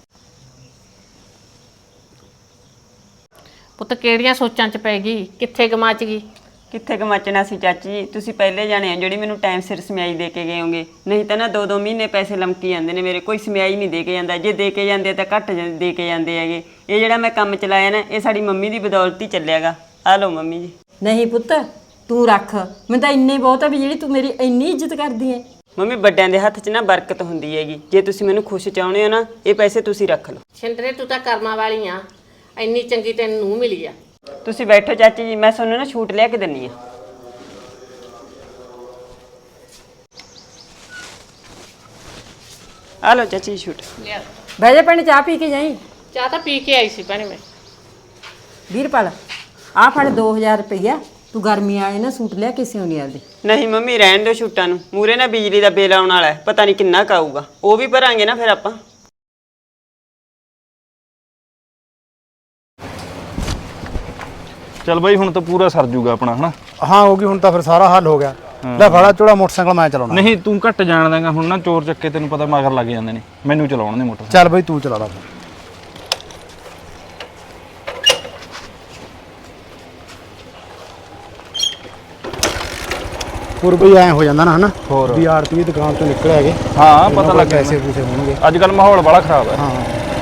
F: ਪੁੱਤ ਕਿਹੜੀਆਂ ਸੋਚਾਂ 'ਚ ਪੈ ਗਈ, ਕਿੱਥੇ ਗਮਾਚ ਗਈ?
A: ਕਿੱਥੇ ਕਮਾਚਣਾ ਸੀ ਚਾਚੀ, ਤੁਸੀਂ ਪਹਿਲੇ ਜਾਣੇ ਆ ਜਿਹੜੀ ਮੈਨੂੰ ਟਾਈਮ ਸਿਰ ਸਮਿਆਈ ਦੇ ਕੇ ਗਏ ਹੋਗੇ, ਨਹੀਂ ਤਾਂ ਨਾ 2-2 ਮਹੀਨੇ ਪੈਸੇ ਲੰਮਕੀ ਜਾਂਦੇ ਨੇ ਮੇਰੇ, ਕੋਈ ਸਮਿਆਈ ਨਹੀਂ ਦੇ ਕੇ ਜਾਂਦਾ, ਜੇ ਦੇ ਕੇ ਜਾਂਦੇ ਤਾਂ ਘੱਟ ਦੇ ਕੇ ਜਾਂਦੇ ਹੈਗੇ। ਇਹ ਜਿਹੜਾ ਮੈਂ ਕੰਮ ਚਲਾਇਆ ਨਾ, ਇਹ ਸਾਡੀ ਮੰਮੀ ਦੀ ਬਦੌਲਤ ਹੀ ਚੱਲਿਆਗਾ। ਆ ਲਓ ਮੰਮੀ ਜੀ।
E: ਨਹੀਂ ਪੁੱਤ, ਤੂੰ ਰੱਖ, ਮੈਨੂੰ ਤਾਂ ਇੰਨੇ ਬਹੁਤ ਆ ਵੀ ਜਿਹੜੀ ਤੂੰ ਮੇਰੀ ਇੰਨੀ ਇੱਜ਼ਤ ਕਰਦੀ ਹੈ।
A: ਮੰਮੀ ਵੱਡਿਆਂ ਦੇ ਹੱਥ 'ਚ ਨਾ ਬਰਕਤ ਹੁੰਦੀ ਹੈਗੀ, ਜੇ ਤੁਸੀਂ ਮੈਨੂੰ ਖੁਸ਼ ਚਾਹੁੰਦੇ ਹੋ ਨਾ, ਇਹ ਪੈਸੇ ਤੁਸੀਂ ਰੱਖ ਲਓ।
F: ਛਿੰਦਰੇ ਤੂੰ ਤਾਂ ਕਰਮਾਂ ਵਾਲੀ ਆ, ਇੰਨੀ ਚੰਗੀ ਤੈਨੂੰ ਨੂੰਹ ਮਿਲੀ ਆ।
A: ਤੁਸੀਂ ਬੈਠੋ ਚਾਚੀ ਜੀ, ਮੈਂ ਤੁਹਾਨੂੰ ਨਾ ਛੂਟ ਲਿਆ ਕੇ ਦਿੰਨੀ ਆ। ਆ ਲਓ ਚਾਚੀ ਛੂਟ।
F: ਲਿਆ
E: ਬਹਿ ਜਾ ਭੈਣੇ, ਚਾਹ ਪੀ ਕੇ ਜਾਈ।
F: ਚਾਹ ਤਾਂ ਪੀ ਕੇ ਆਈ ਸੀ ਭੈਣੇ ਮੈਂ।
E: ਵੀਰਪਾਲ, ਆਹ ਫੜ 2000 ਰੁਪਈਆ, ਤੂੰ ਗਰਮੀ ਆਏ ਨਾ ਸੂਟ ਲਿਆ ਕੇ ਸਿਉਣੀ ਆਪਦੇ।
A: ਨਹੀਂ ਮੰਮੀ ਰਹਿਣ ਦਿਓ ਛੂਟਾਂ ਨੂੰ, ਮੂਰੇ ਨਾ ਬਿਜਲੀ ਦਾ ਬਿੱਲ ਆਉਣ ਵਾਲਾ ਹੈ, ਪਤਾ ਨਹੀਂ ਕਿੰਨਾ ਕੁ ਆਊਗਾ, ਉਹ ਵੀ ਭਰਾਂਗੇ ਨਾ ਫਿਰ ਆਪਾਂ।
D: ਚੱਲ ਬਾਈ ਹੁਣ ਤਾਂ ਪੂਰਾ ਸਰ ਜੂਗਾ ਆਪਣਾ ਹਨਾ।
B: ਹਾਂ ਹੋ ਗਈ ਹੁਣ ਤਾਂ ਫਿਰ ਸਾਰਾ ਹੱਲ ਹੋ ਗਿਆ। ਲੈ ਫੜਾ ਝੋਲਾ ਮੋਟਰਸਾਈਕਲ ਮੈਂ ਚਲਾਉਣਾ।
D: ਨਹੀਂ ਤੂੰ ਘੱਟ ਜਾਣ ਦਾਂਗਾ ਹੁਣ ਨਾ, ਚੋਰ ਚੱਕੇ ਤੈਨੂੰ ਪਤਾ ਮਗਰ ਲੱਗ ਜਾਂਦੇ ਨੇ, ਮੈਨੂੰ ਚਲਾਉਣ ਦੇ ਮੋਟਰ।
B: ਚੱਲ ਬਈ ਤੂੰ ਚਲਾ ਲਾ ਫਿਰ। ਹੋਰ ਬਈ ਐ ਹੋ ਜਾਂਦਾ ਨਾ ਹਨਾ
D: ਹੋਰ।
B: ਵੀ ਆੜਤੀ ਦੀ ਦੁਕਾਨ ਤੋਂ ਨਿਕਲ ਆਗੇ।
D: ਹਾਂ ਪਤਾ ਲੱਗ
B: ਪੈਸੇ ਪੂਸੇ ਹੋਣਗੇ।
D: ਅੱਜ ਕੱਲ ਮਾਹੌਲ ਬੜਾ ਖਰਾਬ ਹੈ।
B: ਹਾਂ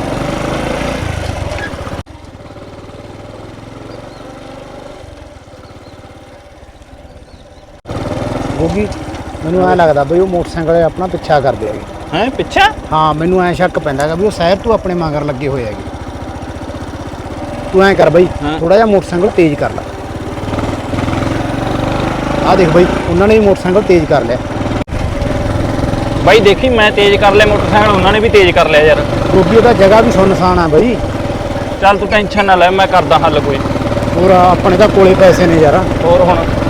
B: ਗੋਗੀ ਮੈਨੂੰ ਐ ਲੱਗਦਾ ਬਈ ਉਹ ਮੋਟਰਸਾਈਕਲ ਵਾਲੇ ਆਪਣਾ ਪਿੱਛਾ ਕਰਦੇ ਹੈਗੇ।
D: ਹੈ ਪਿੱਛਾ?
B: ਹਾਂ ਮੈਨੂੰ ਐ ਸ਼ੱਕ ਪੈਂਦਾ ਹੈਗਾ ਵੀ ਉਹ ਸ਼ਹਿਰ ਤੋਂ ਆਪਣੇ ਮਗਰ ਲੱਗੇ ਹੋਏ ਹੈਗੇ। ਤੂੰ ਐ ਕਰ ਬਈ ਥੋੜਾ ਜਿਹਾ ਮੋਟਰਸਾਈਕਲ ਤੇਜ਼ ਕਰ ਲੈ। ਆ ਦੇਖ ਬਈ ਉਹਨਾਂ ਨੇ ਵੀ ਮੋਟਰਸਾਈਕਲ ਤੇਜ਼ ਕਰ ਲਿਆ।
D: ਬਾਈ ਦੇਖੀ ਮੈਂ ਤੇਜ਼ ਕਰ ਲਿਆ ਮੋਟਰਸਾਈਕਲ, ਉਹਨਾਂ ਨੇ ਵੀ ਤੇਜ਼ ਕਰ ਲਿਆ ਯਾਰ।
B: ਕਿਉਂਕਿ ਉਹਦਾ ਜਗ੍ਹਾ ਵੀ ਸੁੰਨਸਾਨ ਆ ਬਈ।
D: ਚੱਲ ਤੂੰ ਟੈਨਸ਼ਨ ਨਾ ਲੈ, ਮੈਂ ਕਰਦਾ ਹੱਲ ਕੋਈ।
B: ਹੋਰ ਆਪਣੇ ਤਾਂ ਕੋਲੇ ਪੈਸੇ ਨੇ ਯਾਰ।
D: ਹੋਰ ਹੁਣ